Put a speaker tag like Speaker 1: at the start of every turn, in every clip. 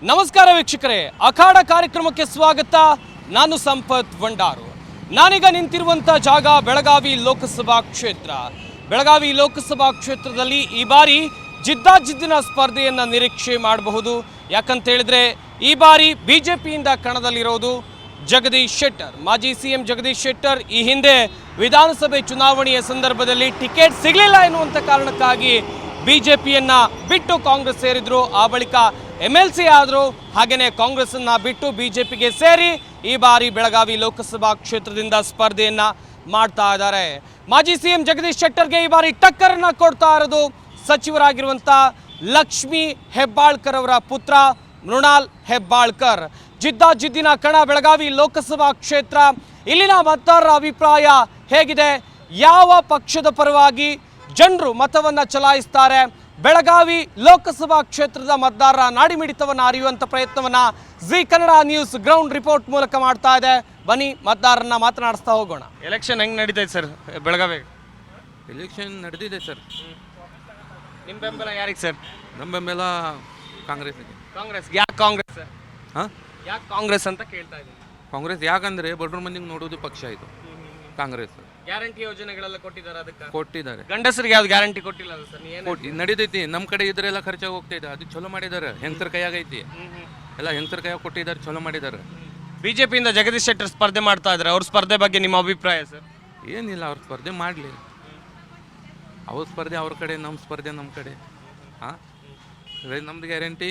Speaker 1: ನಮಸ್ಕಾರ ವೀಕ್ಷಕರೇ, ಅಖಾಡ ಕಾರ್ಯಕ್ರಮಕ್ಕೆ ಸ್ವಾಗತ. ನಾನು ಸಂಪತ್ ಭಂಡಾರು. ನಾನೀಗ ನಿಂತಿರುವಂಥ ಜಾಗ ಬೆಳಗಾವಿ ಲೋಕಸಭಾ ಕ್ಷೇತ್ರ. ಬೆಳಗಾವಿ ಲೋಕಸಭಾ ಕ್ಷೇತ್ರದಲ್ಲಿ ಈ ಬಾರಿ ಜಿದ್ದಾಜಿದ್ದಿನ ಸ್ಪರ್ಧೆಯನ್ನು ನಿರೀಕ್ಷೆ ಮಾಡಬಹುದು. ಯಾಕಂತ ಹೇಳಿದ್ರೆ ಈ ಬಾರಿ ಬಿಜೆಪಿಯಿಂದ ಕಣದಲ್ಲಿರೋದು ಜಗದೀಶ್ ಶೆಟ್ಟರ್. ಮಾಜಿ ಸಿಎಂ ಜಗದೀಶ್ ಶೆಟ್ಟರ್ ಈ ಹಿಂದೆ ವಿಧಾನಸಭೆ ಚುನಾವಣೆಯ ಸಂದರ್ಭದಲ್ಲಿ ಟಿಕೆಟ್ ಸಿಗಲಿಲ್ಲ ಎನ್ನುವಂಥ ಕಾರಣಕ್ಕಾಗಿ ಬಿಜೆಪಿಯನ್ನ ಬಿಟ್ಟು ಕಾಂಗ್ರೆಸ್ ಸೇರಿದ್ರು. ಆ ಬಳಿಕ MLC ಆದರು. ಹಾಗೆಯೇ ಕಾಂಗ್ರೆಸ್ಸನ್ನು ಬಿಟ್ಟು ಬಿಜೆಪಿಗೆ ಸೇರಿ ಈ ಬಾರಿ ಬೆಳಗಾವಿ ಲೋಕಸಭಾ ಕ್ಷೇತ್ರದಿಂದ ಸ್ಪರ್ಧೆಯನ್ನ ಮಾಡ್ತಾ ಇದ್ದಾರೆ. ಮಾಜಿ ಸಿಎಂ ಜಗದೀಶ್ ಶೆಟ್ಟರ್ಗೆ ಈ ಬಾರಿ ಟಕ್ಕರನ್ನ ಕೊಡ್ತಾ ಇರೋದು ಸಚಿವರಾಗಿರುವಂಥ ಲಕ್ಷ್ಮೀ ಹೆಬ್ಬಾಳ್ಕರ್ ಅವರ ಪುತ್ರ ಮೃಣಾಲ್ ಹೆಬ್ಬಾಳ್ಕರ್. ಜಿದ್ದಾಜಿದ್ದಿನ ಕಣ ಬೆಳಗಾವಿ ಲೋಕಸಭಾ ಕ್ಷೇತ್ರ. ಇಲ್ಲಿನ ಮತದಾರರ ಅಭಿಪ್ರಾಯ ಹೇಗಿದೆ? ಯಾವ ಪಕ್ಷದ ಪರವಾಗಿ ಜನರು ಮತವನ್ನು ಚಲಾಯಿಸ್ತಾರೆ? ಬೆಳಗಾವಿ ಲೋಕಸಭಾ ಕ್ಷೇತ್ರದ ಮತದಾರರ ನಾಡಿಮಿಡಿತವನ್ನು ಅರಿಯುವಂಥ ಪ್ರಯತ್ನವನ್ನು Zee Kannada news ground report ಮೂಲಕ ಮಾಡ್ತಾ ಇದೆ. ಬನ್ನಿ ಮತದಾರರನ್ನ ಮಾತನಾಡಿಸ್ತಾ ಹೋಗೋಣ. ಎಲೆಕ್ಷನ್ ಹೆಂಗೆ ನಡೀತೈತೆ ಸರ್ ಬೆಳಗಾವಿ?
Speaker 2: ಎಲೆಕ್ಷನ್ ನಡೆದಿದೆ ಸರ್.
Speaker 1: ನಿಮ್ಮ ಬೆಂಬಲ ಯಾರಿಗೆ ಸರ್?
Speaker 2: ನಮ್ಮ ಬೆಂಬಲ ಕಾಂಗ್ರೆಸ್ಗೆ.
Speaker 1: ಕಾಂಗ್ರೆಸ್. ಯಾಕೆ ಕಾಂಗ್ರೆಸ್ ಸರ್?
Speaker 2: ಹಾಂ,
Speaker 1: ಯಾಕೆ ಕಾಂಗ್ರೆಸ್ ಅಂತ ಕೇಳ್ತಾ ಇದ್ದೀನಿ.
Speaker 2: ಕಾಂಗ್ರೆಸ್ ಯಾಕಂದರೆ ಬಡ್ರ ಮಂದಿಗೆ ನೋಡೋದು ಪಕ್ಷ ಇದು ಕಾಂಗ್ರೆಸ್.
Speaker 1: ಗ್ಯಾರಂಟಿ ಯೋಜನೆಗಳೆಲ್ಲ ಕೊಟ್ಟಿದ್ದಾರೆ, ಅದಕ್ಕೆ
Speaker 2: ಕೊಟ್ಟಿದ್ದಾರೆ.
Speaker 1: ಗಂಡಸರಿಗೆ ಯಾವ್ದು ಗ್ಯಾರಂಟಿ ಕೊಟ್ಟಿಲ್ಲ ಸರ್?
Speaker 2: ನಡೀತೈತಿ. ನಮ್ಮ ಕಡೆ ಇದ್ರೆಲ್ಲ ಖರ್ಚಾಗಿ ಹೋಗ್ತಾಯಿದೆ. ಅದು ಚಲೋ ಮಾಡಿದ್ದಾರೆ. ಹೆಂಗಸರ ಕೈಯಾಗೈತಿ ಎಲ್ಲ. ಹೆಂಗಸರ ಕೈಯಾಗ ಕೊಟ್ಟಿದ್ದಾರೆ, ಚಲೋ ಮಾಡಿದ್ದಾರೆ.
Speaker 1: ಬಿಜೆಪಿಯಿಂದ ಜಗದೀಶ್ ಶೆಟ್ಟರ್ ಸ್ಪರ್ಧೆ ಮಾಡ್ತಾ ಇದ್ದಾರೆ. ಅವ್ರ ಸ್ಪರ್ಧೆ ಬಗ್ಗೆ ನಿಮ್ಮ ಅಭಿಪ್ರಾಯ ಸರ್?
Speaker 2: ಏನಿಲ್ಲ, ಅವ್ರ ಸ್ಪರ್ಧೆ ಮಾಡಲಿ. ಅವ್ರ ಸ್ಪರ್ಧೆ ಅವ್ರ ಕಡೆ, ನಮ್ಮ ಸ್ಪರ್ಧೆ ನಮ್ಮ ಕಡೆ. ಹಾಂ, ನಮ್ದು ಗ್ಯಾರಂಟಿ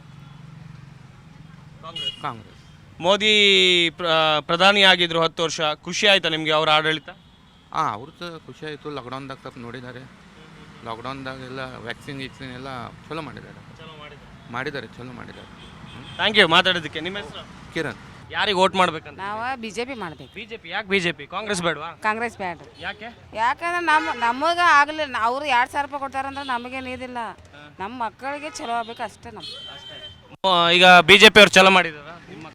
Speaker 2: ಕಾಂಗ್ರೆಸ್.
Speaker 1: ಮೋದಿ ಪ್ರಧಾನಿ ಆಗಿದ್ರು 10 ವರ್ಷ. ಖುಷಿ ಆಯ್ತಾ ನಿಮಗೆ ಅವ್ರ ಆಡಳಿತ?
Speaker 2: ಹಾಂ, ಅವ್ರದ್ದು ಖುಷಿ ಆಯಿತು. ಲಾಕ್ಡೌನ್ದಾಗ ಸ್ವಲ್ಪ ನೋಡಿದ್ದಾರೆ. ಲಾಕ್ಡೌನ್ದಾಗೆಲ್ಲ ವ್ಯಾಕ್ಸಿನ್ ಎಲ್ಲ ಚಲೋ ಮಾಡಿದ್ದಾರೆ. ಚಲೋ ಮಾಡಿದ್ದಾರೆ.
Speaker 1: ಥ್ಯಾಂಕ್ ಯು ಮಾತಾಡೋದಕ್ಕೆ. ನಿಮ್ಮ ಹೆಸರು?
Speaker 2: ಕಿರಣ್.
Speaker 1: ಯಾರಿಗೆ ವೋಟ್ ಮಾಡ್ಬೇಕಂತ?
Speaker 3: ನಾವು ಬಿಜೆಪಿ ಮಾಡ್ಬೇಕು.
Speaker 1: ಬಿಜೆಪಿ. ಯಾಕೆ ಬಿಜೆಪಿ? ಕಾಂಗ್ರೆಸ್ ಬೇಡವಾ?
Speaker 3: ಕಾಂಗ್ರೆಸ್ ಬೇಡ್ರಿ.
Speaker 1: ಯಾಕೆ?
Speaker 3: ಯಾಕಂದ್ರೆ ನಮಗೆ ಆಗಲಿಲ್ಲ. ಅವ್ರು 2,000 ರೂಪಾಯಿ ಕೊಡ್ತಾರಂದ್ರೆ ನಮಗೇನು ಇದಿಲ್ಲ. ನಮ್ಮ ಮಕ್ಕಳಿಗೆ ಚಲೋ ಆಗ್ಬೇಕು ಅಷ್ಟೇ.
Speaker 1: ಈಗ ಬಿಜೆಪಿ ಅವ್ರು ಚಲೋ ಮಾಡಿದಾರ?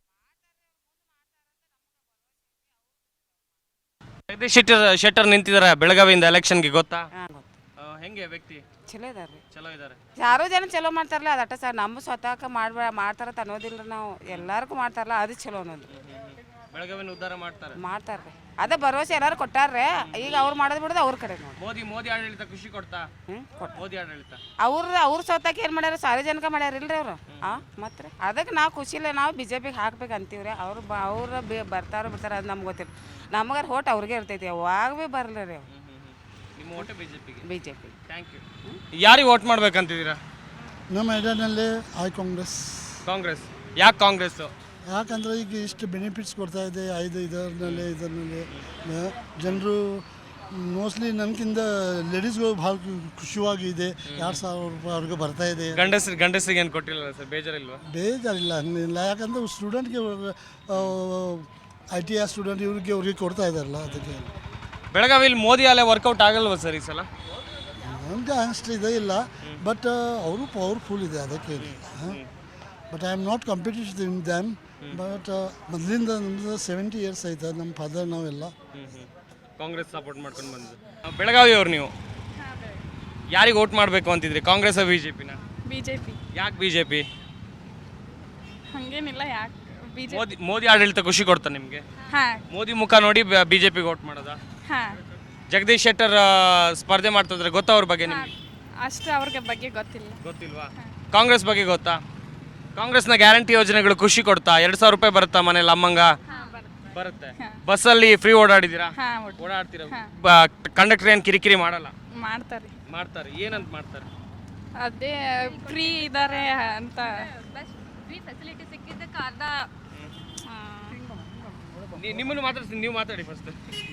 Speaker 1: ಜಗದೀಶ್ ಶೆಟ್ಟರ್ ನಿಂತಿದ್ದಾರೆ ಬೆಳಗಾವಿಯಿಂದ ಎಲೆಕ್ಷನ್ಗೆ, ಗೊತ್ತಾ? ಹೆಂಗೆ ವ್ಯಕ್ತಿ?
Speaker 3: ಚಲೋ ಇದಾರೆ.
Speaker 1: ಚಲೋ ಇದ್ದಾರೆ.
Speaker 3: ಯಾರೋ ಜನ ಚಲೋ ಮಾಡ್ತಾರಲ್ಲ ಅದಟ್ಟ ಸರ್. ನಮ್ಮ ಸ್ವತಃ ಮಾಡ್ತಾರ ಅನ್ನೋದಿಲ್ಲ. ನಾವು ಎಲ್ಲರಿಗೂ ಮಾಡ್ತಾರಲ್ಲ ಅದು ಚಲೋ ಅನ್ನೋದು.
Speaker 1: ಬೆಳಗಾವಿನ ಉದ್ಧಾರ
Speaker 3: ಮಾಡ್ತಾರ್ರಿ. ಅದೇ ಭರವಸೆ ಎಲ್ಲರೂ ಕೊಟ್ಟಾರ್ರೆ. ಈಗ ಅವ್ರು ಮಾಡೋದು ಬಿಡೋದು ಅವ್ರ ಕಡೆ ನೋಡಿ.
Speaker 1: ಮೋದಿ ಆಡಳಿತ ಖುಷಿ ಕೊಡ್ತಾ? ಮೋದಿ ಆಡಳಿತ
Speaker 3: ಅವ್ರ ಸ್ವತಃ ಏನು ಮಾಡ್ಯಾರ? ಸಾರ್ವಜನಿಕ ಮಾಡ್ಯಾರಿಲ್ರಿ ಅವರು. ಮತ್ತೆ ಅದಕ್ಕೆ ನಾವು ಖುಷಿ ಇಲ್ಲ. ನಾವು ಬಿಜೆಪಿಗೆ ಹಾಕ್ಬೇಕು ಅಂತೀವ್ರಿ. ಅವ್ರು ಬರ್ತಾರೋ ಬಿಡ್ತಾರ ಅದು ನಮ್ಗೆ ಗೊತ್ತಿಲ್ಲ. ನಮಗಾರ ಹೋಟ್ ಅವ್ರಿಗೆ ಇರ್ತೈತಿ. ಯಾವಾಗ ಭೀ ಬರಲ್ಲ ರೀ.
Speaker 1: ನಿಮ್ಮ ಓಟು ಬಿಜೆಪಿಗೆ?
Speaker 3: ಬಿಜೆಪಿ.
Speaker 1: Thank you. ಯಾರಿಗೆ ವೋಟ್ ಮಾಡ್ಬೇಕಂತಿದ್ದೀರಾ?
Speaker 4: ನಮ್ಮ ಏರಿಯಾನಲ್ಲಿ ಕಾಂಗ್ರೆಸ್.
Speaker 1: ಕಾಂಗ್ರೆಸ್. ಯಾಕೆ ಕಾಂಗ್ರೆಸ್ಸು?
Speaker 4: ಯಾಕಂದರೆ ಈಗ ಇಷ್ಟು ಬೆನಿಫಿಟ್ಸ್ ಕೊಡ್ತಾ ಇದೆ. ಇದರಲ್ಲಿ ಜನರು ಮೋಸ್ಟ್ಲಿ ನನಗಿಂತ ಲೇಡೀಸ್ಗಳು ಭಾಳ ಖುಷಿಯಾಗಿದೆ. 2,000 ರೂಪಾಯಿ ಅವ್ರಿಗೆ ಬರ್ತಾ ಇದೆ.
Speaker 1: ಗಂಡಸರಿಗೆ ಏನು ಕೊಟ್ಟಿಲ್ಲ ಸರ್? ಬೇಜಾರಿಲ್ವಾ?
Speaker 4: ಬೇಜಾರಿಲ್ಲ, ಹಂಗಿಲ್ಲ. ಯಾಕಂದರೆ ಸ್ಟೂಡೆಂಟ್ಗೆ ITI ಸ್ಟೂಡೆಂಟ್ ಅವ್ರಿಗೆ ಕೊಡ್ತಾ ಇದ್ದಾರಲ್ಲ, ಅದಕ್ಕೆ.
Speaker 1: ಬೆಳಗಾವಿಯಲ್ಲಿ ಮೋದಿ ಅಲೆ ವರ್ಕೌಟ್ ಆಗಲ್ವ ಸರ್ ಈ ಸಲ?
Speaker 4: ನನಗೆ ಅಷ್ಟು ಇದೇ ಇಲ್ಲ. ಬಟ್ ಅವರು ಪವರ್ಫುಲ್ ಇದೆ, ಅದಕ್ಕೆ. But I am not competitive in them. But ಮೊದಲಿಂದ ನಮ್ಮದು 70 ಇಯರ್ಸ್ ಆಯ್ತು. ನಮ್ಮ ಫಾದರ್ ನಾವೆಲ್ಲ
Speaker 1: ಕಾಂಗ್ರೆಸ್ ಸಪೋರ್ಟ್ ಮಾಡ್ಕೊಂಡು ಬಂದು. ಬೆಳಗಾವಿಯವ್ರು ನೀವು ಯಾರಿಗೆ ವೋಟ್ ಮಾಡಬೇಕು ಅಂತಿದ್ರಿ? ಕಾಂಗ್ರೆಸ್ ಬಿಜೆಪಿನ?
Speaker 5: ಬಿಜೆಪಿ.
Speaker 1: ಯಾಕೆ ಬಿಜೆಪಿ?
Speaker 5: ಹಂಗೇನಿಲ್ಲ. ಯಾಕೆ
Speaker 1: ಮೋದಿ ಆಡಳಿತ ಖುಷಿ ಕೊಡ್ತಾ ನಿಮಗೆ? ಮೋದಿ ಮುಖ ನೋಡಿ ಬಿಜೆಪಿಗೆ ವೋಟ್ ಮಾಡೋದಾ? ಜಗದೀಶ್ ಶೆಟ್ಟರ್ ಸ್ಪರ್ಧೆ ಮಾಡ್ತಿದ್ರೆ ಗೊತ್ತಾ ಅವ್ರ ಬಗ್ಗೆ ನಿಮಗೆ?
Speaker 5: ಅಷ್ಟು ಅವ್ರಿಗೆ ಬಗ್ಗೆ
Speaker 1: ಗೊತ್ತಿಲ್ವಾ? ಕಾಂಗ್ರೆಸ್ ಬಗ್ಗೆ ಗೊತ್ತಾ? ಕಾಂಗ್ರೆಸ್ನ ಗ್ಯಾರಂಟಿ ಯೋಜನೆಗಳು ಖುಷಿ ಕೊಡ್ತಾ? 2,000 ರೂಪಾಯಿ ಬರುತ್ತಾ ಮನೇಲಿ ಅಮ್ಮಂಗ? ಬರುತ್ತೆ. ಬಸ್ಸಲ್ಲಿ ಫ್ರೀ ಓಡಾಡಿದ್ದೀರಾ? ಓಡಾಡ್ತೀರಾ? ಕಂಡಕ್ಟರ್ ಏನು ಕಿರಿಕಿರಿ ಮಾಡಲ್ಲ? ಮಾಡ್ತಾರೆ. ಏನಂತ ಮಾಡ್ತಾರೆ?
Speaker 5: ಅದೇ ಫ್ರೀ ಇದ್ದಾರೆ ಅಂತ.
Speaker 6: ಫ್ರೀ ಫೆಸಿಲಿಟಿ ಸಿಕ್ಕಿದ್ದಕ್ಕೆ ಅರ್ಧ.
Speaker 1: ನಿಮ್ಮನ್ನು ಮಾತಾಡ್ತೀನಿ, ನೀವು ಮಾತಾಡಿ ಫಸ್ಟ್.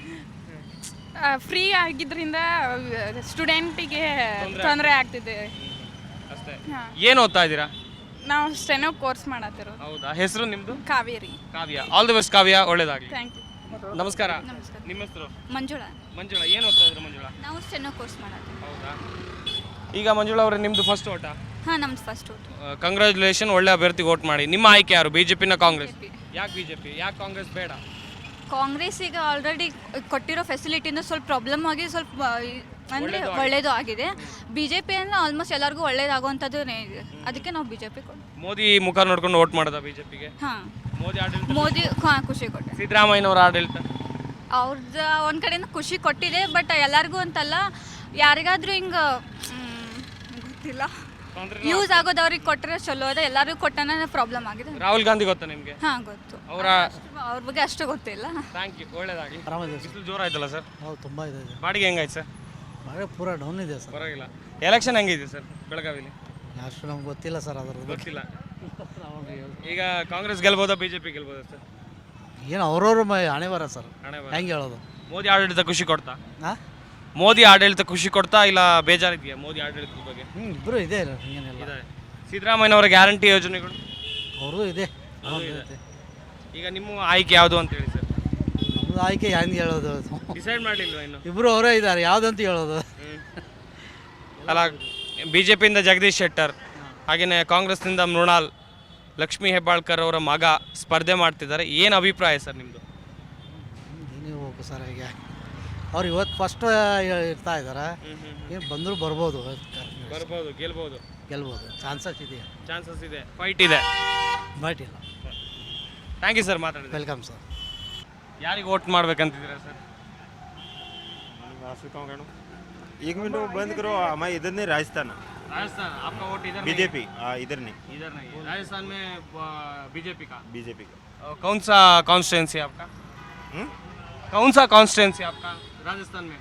Speaker 5: ಫ್ರೀ ಆಗಿದ್ರಿಂದ ಸ್ಟೂಡೆಂಟಿಗೆ ತೊಂದರೆ ಆಗ್ತಿದೆ
Speaker 1: ಅಷ್ಟೇ. ಏನು ಓದ್ತಾ ಇದ್ದೀರಾ?
Speaker 5: ನಾವು ಸ್ಟೆನೋ ಕೋರ್ಸ್ ಮಾಡತ್ತಿರೋದು.
Speaker 1: ಹೌದಾ? ಹೆಸರು ನಿಮ್ಮದು?
Speaker 5: Kaveri.
Speaker 1: Kavya. All the best Kavya, ಒಳ್ಳೇದಾಗಲಿ.
Speaker 5: Thank you.
Speaker 1: ನಮಸ್ಕಾರ. ನಿಮ್ಮ ಹೆಸರು?
Speaker 6: ಮಂಜುಳಾ.
Speaker 1: ಏನು ಓದ್ತಾ ಇದ್ರು ಮಂಜುಳಾ?
Speaker 6: ನಾವು ಸ್ಟೆನೋ ಕೋರ್ಸ್ ಮಾಡತ್ತೀವಿ.
Speaker 1: ಹೌದಾ? ಈಗ ಮಂಜುಳಾ ಅವರೇ, ನಿಮ್ಮದು ಫಸ್ಟ್ ಓಟಾ?
Speaker 6: ಹಾಂ, ನಮ್ದು ಫಸ್ಟ್ ಓಟ್.
Speaker 1: ಕಂಗ್ರ್ಯಾಚುಲೇಷನ್, ಒಳ್ಳೆ ಅಭ್ಯರ್ಥಿಗೆ ವೋಟ್ ಮಾಡಿ. ನಿಮ್ಮ ಆಯ್ಕೆ ಯಾರು? ಬಿಜೆಪಿನ ಕಾಂಗ್ರೆಸ್? ಯಾಕೆ ಬಿಜೆಪಿ? ಯಾಕೆ ಕಾಂಗ್ರೆಸ್ ಬೇಡ?
Speaker 6: ಕಾಂಗ್ರೆಸ್ಸಿಗೆ ಆಲ್ರೆಡಿ ಕೊಟ್ಟಿರೋ ಫೆಸಿಲಿಟಿನೂ ಸ್ವಲ್ಪ ಪ್ರಾಬ್ಲಮ್ ಆಗಿ ಸ್ವಲ್ಪ ಅಂದರೆ ಒಳ್ಳೆಯದು ಆಗಿದೆ. ಬಿ ಜೆ ಪಿ ಅಂದರೆ ಆಲ್ಮೋಸ್ಟ್ ಎಲ್ಲರಿಗೂ ಒಳ್ಳೇದಾಗುವಂಥದ್ದು ಇದೆ. ಅದಕ್ಕೆ ನಾವು ಬಿ ಜೆ ಪಿ ಕೊಟ್ಟು
Speaker 1: ಮೋದಿ ಮುಖ ನೋಡ್ಕೊಂಡು ವೋಟ್ ಮಾಡೋದಾ ಬಿಜೆಪಿಗೆ?
Speaker 6: ಹಾಂ,
Speaker 1: ಮೋದಿ ಆಡಳಿತ,
Speaker 6: ಮೋದಿ ಖುಷಿ ಕೊಟ್ಟೆ.
Speaker 1: ಸಿದ್ದರಾಮಯ್ಯನವರ ಆಡಳಿತ
Speaker 6: ಅವ್ರದ್ದು ಒಂದು ಕಡೆಯಿಂದ ಖುಷಿ ಕೊಟ್ಟಿದೆ, ಬಟ್ ಎಲ್ಲರಿಗೂ ಅಂತಲ್ಲ, ಯಾರಿಗಾದ್ರೂ ಹಿಂಗೆ ಗೊತ್ತಿಲ್ಲ, ಯೂಸ್ ಆಗೋದು ಅವ್ರಿಗೆ ಕೊಟ್ಟರೆ ಚಲೋ ಅದ. ಎಲ್ಲರಿಗೂ ಕೊಟ್ಟನ ಪ್ರಾಬ್ಲಮ್ ಆಗಿದೆ.
Speaker 1: ರಾಹುಲ್ ಗಾಂಧಿ ಗೊತ್ತಾ ನಿಮಗೆ?
Speaker 6: ಹಾಂ, ಗೊತ್ತು. ಅವ್ರ ಬಗ್ಗೆ ಅಷ್ಟು ಗೊತ್ತಿಲ್ಲ.
Speaker 1: ಥ್ಯಾಂಕ್ ಯು, ಒಳ್ಳೇದಾಗಲಿ.
Speaker 7: ಆರಾಮಿದೆ
Speaker 1: ಬಿಸಿಲು ಜೋರ ಆಯ್ತಲ್ಲ ಸರ್?
Speaker 7: ಹೌದು, ತುಂಬ ಇದೆ.
Speaker 1: ಬಾಡಿಗೆ ಹೆಂಗಾಯ್ತು ಸರ್?
Speaker 7: ಮಳೆ ಪೂರ ಡೌನ್ ಇದೆ ಸರ್.
Speaker 1: ಪರವಾಗಿಲ್ಲ. ಎಲೆಕ್ಷನ್ ಹೆಂಗಿದೆ ಸರ್ ಬೆಳಗಾವಿಲಿ?
Speaker 7: ಅಷ್ಟು ನಮ್ಗೆ ಗೊತ್ತಿಲ್ಲ ಸರ್ ಅದ್ರದ್ದು.
Speaker 1: ಗೊತ್ತಿಲ್ಲ. ಈಗ ಕಾಂಗ್ರೆಸ್ ಗೆಲ್ಬೋದಾ ಬಿಜೆಪಿ ಗೆಲ್ಬೋದಾ ಸರ್?
Speaker 7: ಏನು ಅವ್ರವ್ರ ಹಣೆ ಬರ ಸರ್,
Speaker 1: ಹಣೆ ಬರ.
Speaker 7: ಹೆಂಗೆ ಹೇಳೋದು?
Speaker 1: ಮೋದಿ ಆಡಳಿತ ಖುಷಿ ಕೊಡ್ತಾ?
Speaker 7: ಹಾಂ,
Speaker 1: ಮೋದಿ ಆಡಳಿತ ಖುಷಿ ಕೊಡ್ತಾ ಇಲ್ಲ ಬೇಜಾರಿದೆಯಾ ಮೋದಿ ಆಡಳಿತದ ಬಗ್ಗೆ?
Speaker 7: ಇಬ್ಬರು ಇದೆ ಹಿಂಗೇನಿಲ್ಲ.
Speaker 1: ಇದೆ. ಸಿದ್ದರಾಮಯ್ಯನವರ ಗ್ಯಾರಂಟಿ ಯೋಜನೆಗಳು
Speaker 7: ಅವ್ರದ್ದು ಇದೆ.
Speaker 1: ಈಗ ನಿಮ್ಮ ಆಯ್ಕೆ ಯಾವುದು ಅಂತ ಹೇಳಿ ಸರ್?
Speaker 7: ನಮ್ಮದು ಆಯ್ಕೆ ಹೆಂಗೆ ಹೇಳೋದು?
Speaker 1: ಡಿಸೈಡ್ ಮಾಡಲಿಲ್ವಾ ಇನ್ನು?
Speaker 7: ಇಬ್ಬರು ಅವರೇ ಇದ್ದಾರೆ, ಯಾವುದಂತ ಹೇಳೋದು?
Speaker 1: ಅಲ್ಲ, ಬಿಜೆಪಿಯಿಂದ ಜಗದೀಶ್ ಶೆಟ್ಟರ್, ಹಾಗೆಯೇ ಕಾಂಗ್ರೆಸ್ನಿಂದ ಮೃಣಾಲ್, ಲಕ್ಷ್ಮೀ ಹೆಬ್ಬಾಳ್ಕರ್ ಅವರ ಮಗ ಸ್ಪರ್ಧೆ ಮಾಡ್ತಿದ್ದಾರೆ. ಏನು ಅಭಿಪ್ರಾಯ ಸರ್ ನಿಮ್ಮದು?
Speaker 7: ನೀವು ಹೋಗು ಸರ್, ಈಗ ಅವ್ರು ಇವತ್ತು ಫಸ್ಟ್ ಇರ್ತಾ ಇದ್ದಾರೆ. ಏನು ಬಂದರೂ ಬರ್ಬೋದು,
Speaker 1: ಬರ್ಬೋದು, ಗೆಲ್ಬೋದು,
Speaker 7: ಗೆಲ್ಬೋದು, ಚಾನ್ಸಸ್ ಇದೆ.
Speaker 1: ಚಾನ್ಸಸ್ ಇದೆ, ಫೈಟ್ ಇದೆ,
Speaker 7: ಬಟ್ ಇಲ್ಲ.
Speaker 1: ಥ್ಯಾಂಕ್ ಯು ಸರ್, ಮಾತಾಡಿದೆ.
Speaker 7: Welcome sir.
Speaker 1: ಯಾರಿಗೆ ವೋಟ್ ಮಾಡ್ಬೇಕಂತಿದ್ದೀರಾ ಸರ್?
Speaker 8: एक मिनट बंद करो, हमारे इधर नहीं राजस्थान
Speaker 1: राजस्थान आपका वोट इधर
Speaker 8: बीजेपी, इधर नहीं,
Speaker 1: इधर नहीं है। राजस्थान में बीजेपी का
Speaker 8: बीजेपी का।
Speaker 1: कौन सा कॉन्स्टिट्यूंसी आपका?
Speaker 8: हम्म?
Speaker 1: कौन सा कॉन्स्टिट्यूंसी आपका राजस्थान में?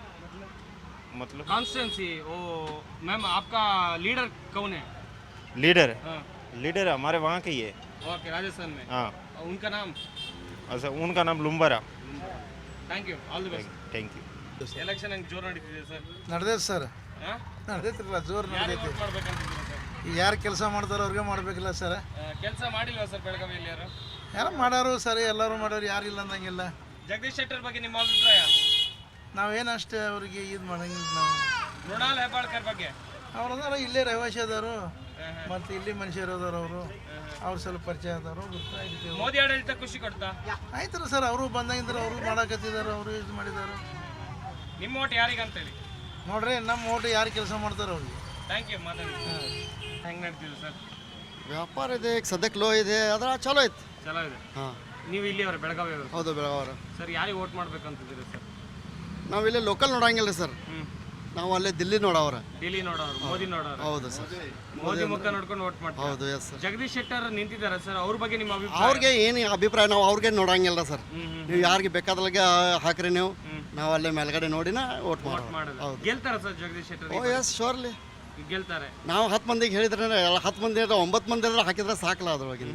Speaker 8: मतलब
Speaker 1: कॉन्स्टिट्यूंसी वो मैम, आपका लीडर कौन है?
Speaker 8: लीडर,
Speaker 1: हाँ,
Speaker 8: लीडर हमारे वहाँ के ही है।
Speaker 1: ओके, राजस्थान में।
Speaker 8: हाँ,
Speaker 1: उनका नाम?
Speaker 8: अच्छा, उनका नाम Lumbara.
Speaker 1: Thank you, all the best.
Speaker 8: Thank you.
Speaker 1: Election ಹೆಂಗೆ ಜೋರು ನಡೀತಿದೆ ಸರ್?
Speaker 7: ನಡೆದೈತೆ ಸರ್, ನಡೆದೈತಿಲ್ಲ, ಜೋರು
Speaker 1: ಯಾರಿಗೆ
Speaker 7: ನಡೆದೈತಿ.
Speaker 1: ವೋಟ್ ಮಾಡ್ಬೇಕಂತಿದ್ದೀರಾ ಸರ್?
Speaker 7: ಯಾರು ಕೆಲಸ ಮಾಡ್ತಾರೋ ಅವ್ರಿಗೆ ಮಾಡಬೇಕಿಲ್ಲ ಸರ್.
Speaker 1: ಕೆಲಸ ಮಾಡಿಲ್ವಾ ಸರ್ ಬೆಳಗಾವಿಯಲ್ಲಿ ಯಾರು?
Speaker 7: ಯಾರು ಮಾಡೋರು ಸರ್, ಎಲ್ಲರೂ ಮಾಡೋರು, ಯಾರಿಲ್ಲ ಅಂದಂಗಿಲ್ಲ.
Speaker 1: ಜಗದೀಶ್ ಶೆಟ್ಟರ್ ಬಗ್ಗೆ ನಿಮ್ಮ ಅಭಿಪ್ರಾಯ?
Speaker 7: ನಾವೇನು ಅಷ್ಟೇ ಅವ್ರಿಗೆ ಇದು ಮಾಡಂಗಿಲ್ಲ. ನಾವು
Speaker 1: ಮೃಣಾಲ್ ಹೆಬ್ಬಾಳ್ಕರ್ ಬಗ್ಗೆ?
Speaker 7: ಅವ್ರು ಅದಾರ, ಇಲ್ಲೇ ರಹವಾಸಿ ಅದಾರು, ಮತ್ತು ಇಲ್ಲಿ ಮನುಷ್ಯರು ಅದಾರ. ಅವ್ರು ಸ್ವಲ್ಪ ಪರಿಚಯ ಅದಾರು, ಗೊತ್ತಾಗಿರ್ತೀವಿ.
Speaker 1: ಮೋದಿ ಆಡಳಿತ ಖುಷಿ ಕೊಡ್ತಾ?
Speaker 7: ಆಯ್ತಲ್ಲ ಸರ್, ಅವರು ಬಂದಾಗಿಂದ್ರೆ ಅವರು ಮಾಡಕತ್ತಿದ್ದಾರೆ, ಅವರು ಇದು ಮಾಡಿದ್ದಾರೆ.
Speaker 1: ನಿಮ್ಮ ಓಟ್ ಯಾರಿಗೆ ಅಂತೇಳಿ
Speaker 7: ನೋಡ್ರಿ, ನಮ್ಮ ಓಟು ಯಾರು ಕೆಲಸ ಮಾಡ್ತಾರೆ ಅವ್ರಿಗೆ.
Speaker 1: ಥ್ಯಾಂಕ್ ಯು, ಮಾತಾಡಿ. ಹೆಂಗೆ ನಡ್ತಿದೆ ಸರ್
Speaker 9: ವ್ಯಾಪಾರ ಇದೆ, ಈಗ ಸದ್ಯಕ್ಕೆ ಲೋ ಇದೆ, ಅದರ ಚಲೋ ಐತಿ.
Speaker 1: ಚಲೋ ಇದೆ.
Speaker 9: ಹಾಂ,
Speaker 1: ನೀವು ಇಲ್ಲಿಯವರು ಬೆಳಗಾವಿ ಅವರು?
Speaker 9: ಹೌದು, ಬೆಳಗಾವರ.
Speaker 1: ಸರ್, ಯಾರಿಗೆ ವೋಟ್ ಮಾಡ್ಬೇಕಂತಿದ್ದೀರಿ ಸರ್?
Speaker 9: ನಾವು ಇಲ್ಲೇ ಲೋಕಲ್ ನೋಡಂಗಿಲ್ಲ ರೀ ಸರ್, ನಾವು ಅಲ್ಲೇ ದಿಲ್ಲಿ ನೋಡವ್ರ.
Speaker 1: ಡೆಲ್ಲಿ ನೋಡೋರು, ಮೋದಿ ನೋಡೋರು?
Speaker 9: ಹೌದು ಸರ್,
Speaker 1: ಮೋದಿ ಮುಖ ನೋಡ್ಕೊಂಡು ವೋಟ್ ಮಾಡ್ತಾರೆ.
Speaker 9: ಹೌದು, ಎಸ್ ಸರ್.
Speaker 1: ಜಗದೀಶ್ ಶೆಟ್ಟರ್ ನಿಂತಿದ್ದಾರೆ ಸರ್, ಅವ್ರ ಬಗ್ಗೆ ನಿಮ್ಮ ಅಭಿಪ್ರಾಯ?
Speaker 9: ಅವ್ರಿಗೆ ಏನು ಅಭಿಪ್ರಾಯ, ನಾವು ಅವ್ರಿಗೆ ನೋಡಂಗಿಲ್ಲ ಸರ್. ನೀವು ಯಾರಿಗೆ ಬೇಕಾದಲ್ಲಿಗೆ ಹಾಕ್ರಿ, ನೀವು ನಾವು ಅಲ್ಲೇ ಮೇಲ್ಗಡೆ ನೋಡಿನ ವೋಟ್ ಮಾಡೋದು. ಹೌದು,
Speaker 1: ಗೆಲ್ತಾರ sir Jagadish Shettar?
Speaker 9: Oh yes, surely
Speaker 1: ಗೆಲ್ತಾರೆ.
Speaker 9: ನಾವು 10 ಮಂದಿಗೆ ಹೇಳಿದ್ರೆ 10 ಮಂದಿ 9 ಮಂದಿ ಹಾಕಿದ್ರೆ ಸಾಕಲ್ಲ ಅದ್ರೊಳಗಿಂದ.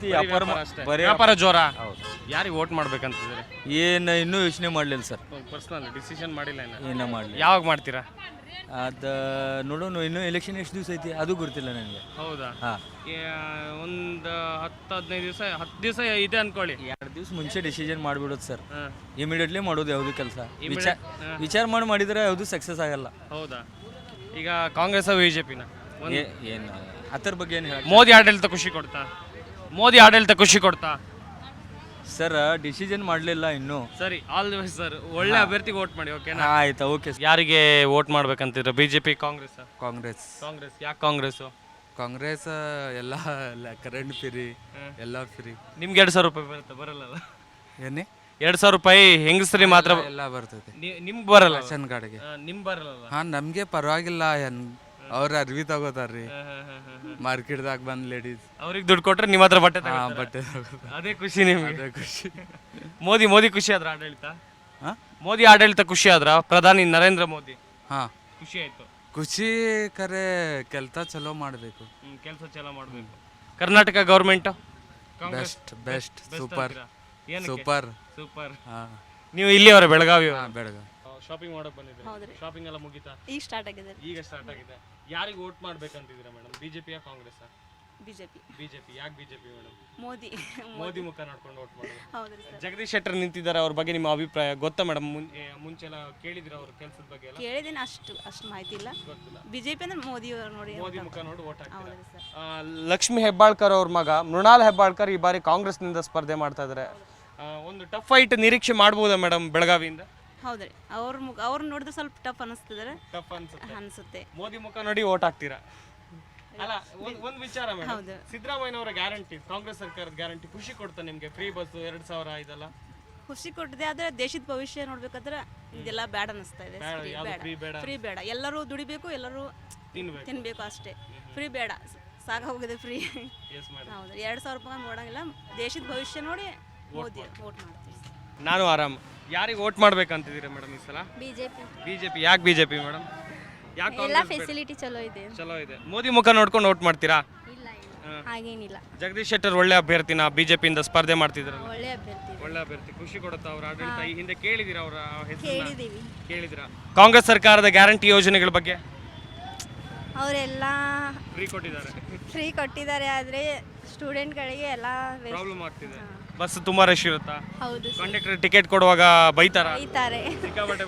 Speaker 1: ವ್ಯಾಪಾರ ಜೋರ. ಯಾರಿಗೆ ವೋಟ್ ಮಾಡ್ಬೇಕಂತಿದ್ದೀರಿ?
Speaker 10: ಏನು ಇನ್ನೂ ಯೋಚನೆ ಮಾಡಲಿಲ್ಲ ಸರ್,
Speaker 1: ಪರ್ಸನಲ್ ಡಿಸಿಷನ್ ಮಾಡಿಲ್ಲ ಇನ್ನು?
Speaker 10: ಏನೋ ಮಾಡಲಿ.
Speaker 1: ಯಾವಾಗ ಮಾಡ್ತೀರಾ?
Speaker 10: ಅದು ನೋಡೋಣ, ಇನ್ನೂ ಎಲೆಕ್ಷನ್ ಎಷ್ಟು ದಿವಸ ಐತಿ ಅದು ಗೊತ್ತಿಲ್ಲ ನನಗೆ.
Speaker 1: ಹೌದಾ?
Speaker 10: ಹಾಂ,
Speaker 1: ಒಂದು 10-15 ದಿವಸ, 10 ದಿವಸ ಇದೆ ಅನ್ಕೊಳ್ಳಿ.
Speaker 10: 2 ದಿವಸ ಮುಂಚೆ ಡಿಸಿಷನ್ ಮಾಡಿಬಿಡೋದು ಸರ್.
Speaker 1: ಹಾಂ,
Speaker 10: ಇಮಿಡಿಯೇಟ್ಲಿ ಮಾಡೋದು ಯಾವುದು ಕೆಲಸ. ವಿಚಾರ ಮಾಡಿದ್ರೆ ಯಾವುದು ಸಕ್ಸಸ್ ಆಗಲ್ಲ.
Speaker 1: ಹೌದಾ? ಈಗ ಕಾಂಗ್ರೆಸ್ ಬಿಜೆಪಿನ
Speaker 10: ಏನು ಅದ್ರ ಬಗ್ಗೆ ಏನು ಹೇಳಿ?
Speaker 1: ಮೋದಿ ಆಡಳಿತ ಖುಷಿ ಕೊಡ್ತಾ? ಮೋದಿ ಆಡಳಿತ ಖುಷಿ ಕೊಡ್ತಾ
Speaker 10: ಸರ್? ಡಿಸಿಷನ್ ಮಾಡಲಿಲ್ಲ ಇನ್ನೂ.
Speaker 1: ಸರಿ, ಆಲ್ ದಿ ಬೆಸ್ಟ್ ಸರ್. ಒಳ್ಳೆ ಅಭ್ಯರ್ಥಿಗೆ ವೋಟ್ ಮಾಡಿ, ಓಕೆನಾ?
Speaker 10: ಆಯ್ತಾ, ಓಕೆ.
Speaker 1: ಯಾರಿಗೆ ವೋಟ್ ಮಾಡ್ಬೇಕಂತಿದ್ರ? ಬಿಜೆಪಿ, ಕಾಂಗ್ರೆಸ್?
Speaker 10: ಕಾಂಗ್ರೆಸ್.
Speaker 1: ಕಾಂಗ್ರೆಸ್. ಯಾಕೆ ಕಾಂಗ್ರೆಸ್?
Speaker 10: ಕಾಂಗ್ರೆಸ್ ಎಲ್ಲ ಕರೆಂಟ್ ಫ್ರೀ, ಎಲ್ಲ ಫ್ರೀ.
Speaker 1: ನಿಮ್ಗೆ 2,000 ರೂಪಾಯಿ ಬರುತ್ತೆ? ಬರಲ್ಲ?
Speaker 10: ಏನೇ
Speaker 1: 2,000 ರೂಪಾಯಿ ಹೆಂಗಸ್ರಿ ಮಾತ್ರ
Speaker 10: ಎಲ್ಲ ಬರ್ತದೆ,
Speaker 1: ನಿಮ್ಗೆ ಬರಲ್ಲ?
Speaker 10: ರೇಷನ್ ಕಾರ್ಡ್ಗೆ.
Speaker 1: ನಿಮ್ಗೆ ಬರಲ್ಲ?
Speaker 10: ಹಾಂ, ನಮಗೆ ಪರವಾಗಿಲ್ಲ. ಅವ್ರು ಅರ್ವಿ ತಗೋತಾರ್ರಿ ಮಾರ್ಕೆಟ್ದಾಗ ಬಂದು ಲೇಡೀಸ್.
Speaker 1: ಅವ್ರಿಗೆ ದುಡ್ಡು ಕೊಟ್ರೆ ನಿಮ್ಮ ಹತ್ರ ಬಟ್ಟೆ
Speaker 10: ಹಾಂ,
Speaker 1: ತಗೊಳ್ತಾರೆ?
Speaker 10: ಬಟ್ಟೆ ತಗೋತಾರೆ.
Speaker 1: ಅದೇ ಖುಷಿ ನಿಮ್ಗೆ?
Speaker 10: ಅದೇ ಖುಷಿ.
Speaker 1: ಮೋದಿ ಖುಷಿ ಆದ್ರ ಆಡಳಿತ?
Speaker 10: ಹಾಂ,
Speaker 1: ಮೋದಿ ಆಡಳಿತ ಖುಷಿ ಆದ್ರ? ಪ್ರಧಾನಿ ನರೇಂದ್ರ ಮೋದಿ
Speaker 10: ಹಾಂ,
Speaker 1: ಖುಷಿ ಆಯ್ತು.
Speaker 10: ಖುಷಿ ಕರೆ ಕೆಲಸ ಚಲೋ ಮಾಡಬೇಕು,
Speaker 1: ಕೆಲಸ ಚಲೋ ಮಾಡಬೇಕು. Karnataka government
Speaker 10: best best super
Speaker 1: super.
Speaker 10: ಹಾಂ,
Speaker 1: ನೀವು ಇಲ್ಲಿಯವರ ಬೆಳಗಾವಿ?
Speaker 10: ಹಾಂ, ಬೆಳಗಾವಿ.
Speaker 1: ಶಾಪಿಂಗ್ ಮಾಡಕ್ ಬಂದಿದ್ದೀರಾ? ಶಾಪಿಂಗ್ ಎಲ್ಲ ಮುಗಿತಾ?
Speaker 6: ಈಗ ಸ್ಟಾರ್ಟ್ ಆಗಿದೆ.
Speaker 1: ಈಗ ಸ್ಟಾರ್ಟ್ ಆಗಿದೆ. ಯಾರಿಗೆ ವೋಟ್ ಮಾಡ್ಬೇಕಂತಿದ್ದೀರಾ ಮೇಡಮ್? ಬಿಜೆಪಿಯ ಕಾಂಗ್ರೆಸ್?
Speaker 6: ಬಿಜೆಪಿ.
Speaker 1: ಬಿಜೆಪಿ. ಯಾಕೆ ಬಿಜೆಪಿ ಮೇಡಮ್?
Speaker 6: ಮೋದಿ
Speaker 1: ಮೋದಿ ಮುಖ ನೋಡ್ಕೊಂಡು ವೋಟ್ ಮಾಡೋದು.
Speaker 6: ಹೌದ್ರಿ ಸರ್.
Speaker 1: ಜಗದೀಶ್ ಶೆಟ್ಟರ್ ನಿಂತಿದ್ದಾರೆ, ಅವ್ರ ಬಗ್ಗೆ ನಿಮ್ಮ ಅಭಿಪ್ರಾಯ ಗೊತ್ತಾ ಮೇಡಮ್? ಮುಂಚೆ ಎಲ್ಲ ಕೇಳಿದಿರ ಅವ್ರ ಕೆಲಸದ ಬಗ್ಗೆ ಎಲ್ಲ?
Speaker 6: ಕೇಳಿದ್ದೀನಿ, ಅಷ್ಟು ಮಾಹಿತಿ ಇಲ್ಲ.
Speaker 1: ಗೊತ್ತಿಲ್ಲ.
Speaker 6: ಬಿಜೆಪಿ ಅಂದ್ರೆ ಮೋದಿ ನೋಡಿ.
Speaker 1: ಮೋದಿ ಮುಖ ನೋಡಿ ವೋಟ್ ಹಾಕ್ತೀರಾ?
Speaker 6: ಹೌದ್ರಿ ಸರ್.
Speaker 1: ಲಕ್ಷ್ಮೀ ಹೆಬ್ಬಾಳ್ಕರ್ ಅವ್ರ ಮಗ ಮೃಣಾಲ್ ಹೆಬ್ಬಾಳ್ಕರ್ ಈ ಬಾರಿ ಕಾಂಗ್ರೆಸ್ನಿಂದ ಸ್ಪರ್ಧೆ ಮಾಡ್ತಾ ಇದ್ದಾರೆ. ಒಂದು ಟಫ್ ಫೈಟ್ ನಿರೀಕ್ಷೆ ಮಾಡ್ಬೋದಾ ಮೇಡಮ್ ಬೆಳಗಾವಿಯಿಂದ?
Speaker 11: ಹೌದ್ರಿ, ಅವ್ರು ನೋಡಿದ್ರೆ ಸ್ವಲ್ಪ ಟಫ್ ಅನಿಸ್ತದೆ
Speaker 1: ಟಫ್
Speaker 11: ಅನಿಸುತ್ತೆ.
Speaker 1: ಮೋದಿ ಮುಖ ನೋಡಿ ಓಟ್ ಹಾಕ್ತೀರಾ? ಅಲ್ಲ, ಒಂದು ವಿಚಾರ ಮೇಡಮ್,
Speaker 11: ಹೌದು.
Speaker 1: ಸಿದ್ದರಾಮಯ್ಯನವರ ಗ್ಯಾರಂಟಿ, ಕಾಂಗ್ರೆಸ್ ಸರ್ಕಾರದ ಗ್ಯಾರಂಟಿ ಖುಷಿ ಕೊಡ್ತಾ ನಿಮ್ಗೆ? ಫ್ರೀ ಬಸ್ 2000 ಇದೆಲ್ಲ
Speaker 11: ಖುಷಿ ಕೊಟ್ಟಿದೆ, ಆದ್ರೆ ದೇಶದ ಭವಿಷ್ಯ ನೋಡ್ಬೇಕಾದ್ರೆ ಇದೆಲ್ಲ ಬ್ಯಾಡ ಅನಿಸ್ತಾ ಇದೆ.
Speaker 1: free ಬೇಡ.
Speaker 11: ಫ್ರೀ ಬೇಡ, ಎಲ್ಲರೂ ದುಡಿಬೇಕು, ಎಲ್ಲರೂ ತಿನ್ಬೇಕು ಅಷ್ಟೇ. ಫ್ರೀ ಬೇಡ, ಸಾಕ ಹೋಗಿದೆ ಫ್ರೀ. ಹೌದು, 2000 ರೂಪಾಯಿ ನೋಡಂಗಿಲ್ಲ. ದೇಶದ ಭವಿಷ್ಯ ನೋಡಿ ಮೋದಿ ವೋಟ್ ಮಾಡ್ತೀವಿ.
Speaker 1: ನಾನು ಆರಾಮ್. ಯಾರಿಗೆ ವೋಟ್ ಮಾಡ್ಬೇಕಂತಿದ್ದೀರಾ ಮೇಡಮ್ ಈ ಸಲ? ಬಿಜೆಪಿ. ಯಾಕೆ ಬಿಜೆಪಿ ಮೇಡಮ್? ಯಾಕೆ?
Speaker 6: ಎಲ್ಲ ಫೆಸಿಲಿಟಿ ಚಲೋ ಇದೆ.
Speaker 1: ಚಲೋ ಇದೆ. ಮೋದಿ ಮುಖ ನೋಡ್ಕೊಂಡು ವೋಟ್ ಮಾಡ್ತೀರಾ?
Speaker 6: ಹಾಗೇನಿಲ್ಲ,
Speaker 1: ಜಗದೀಶ್ ಶೆಟ್ಟರ್ ಒಳ್ಳೆ ಅಭ್ಯರ್ಥಿನ ಬಿಜೆಪಿಯಿಂದ ಸ್ಪರ್ಧೆ ಮಾಡ್ತಿದ್ರಲ್ಲ?
Speaker 6: ಒಳ್ಳೆ ಅಭ್ಯರ್ಥಿ.
Speaker 1: ಒಳ್ಳೆ ಅಭ್ಯರ್ಥಿ. ಖುಷಿ ಕೊಡುತ್ತಾ ಅವ್ರ ಆಡಳಿತ? ಈ ಹಿಂದೆ ಕೇಳಿದಿರಾ ಅವರ ಹೆಸರು?
Speaker 6: ಕೇಳಿದೀವಿ.
Speaker 1: ಕೇಳಿದಿರಾ? ಕಾಂಗ್ರೆಸ್ ಸರ್ಕಾರದ ಗ್ಯಾರಂಟಿ ಯೋಜನೆಗಳ ಬಗ್ಗೆ?
Speaker 6: ಅವರೆಲ್ಲ
Speaker 1: ಫ್ರೀ
Speaker 6: ಕೊಟ್ಟಿದ್ದಾರೆ, ಆದರೆ ಸ್ಟೂಡೆಂಟ್ಗಳಿಗೆ ಎಲ್ಲ
Speaker 1: ಪ್ರಾಬ್ಲಮ್ ಆಗ್ತಿದೆ. ಬಸ್ ತುಂಬಾ ರಶ್ ಇರುತ್ತಾ?
Speaker 6: ಹೌದು,
Speaker 1: ಕಂಡಕ್ಟರ್ ಟಿಕೆಟ್ ಕೊಡುವಾಗ ಬೈತಾರ?
Speaker 6: ಬೈತಾರೆ,
Speaker 1: ಸಿಕ್ಕಾಪಟ್ಟೆ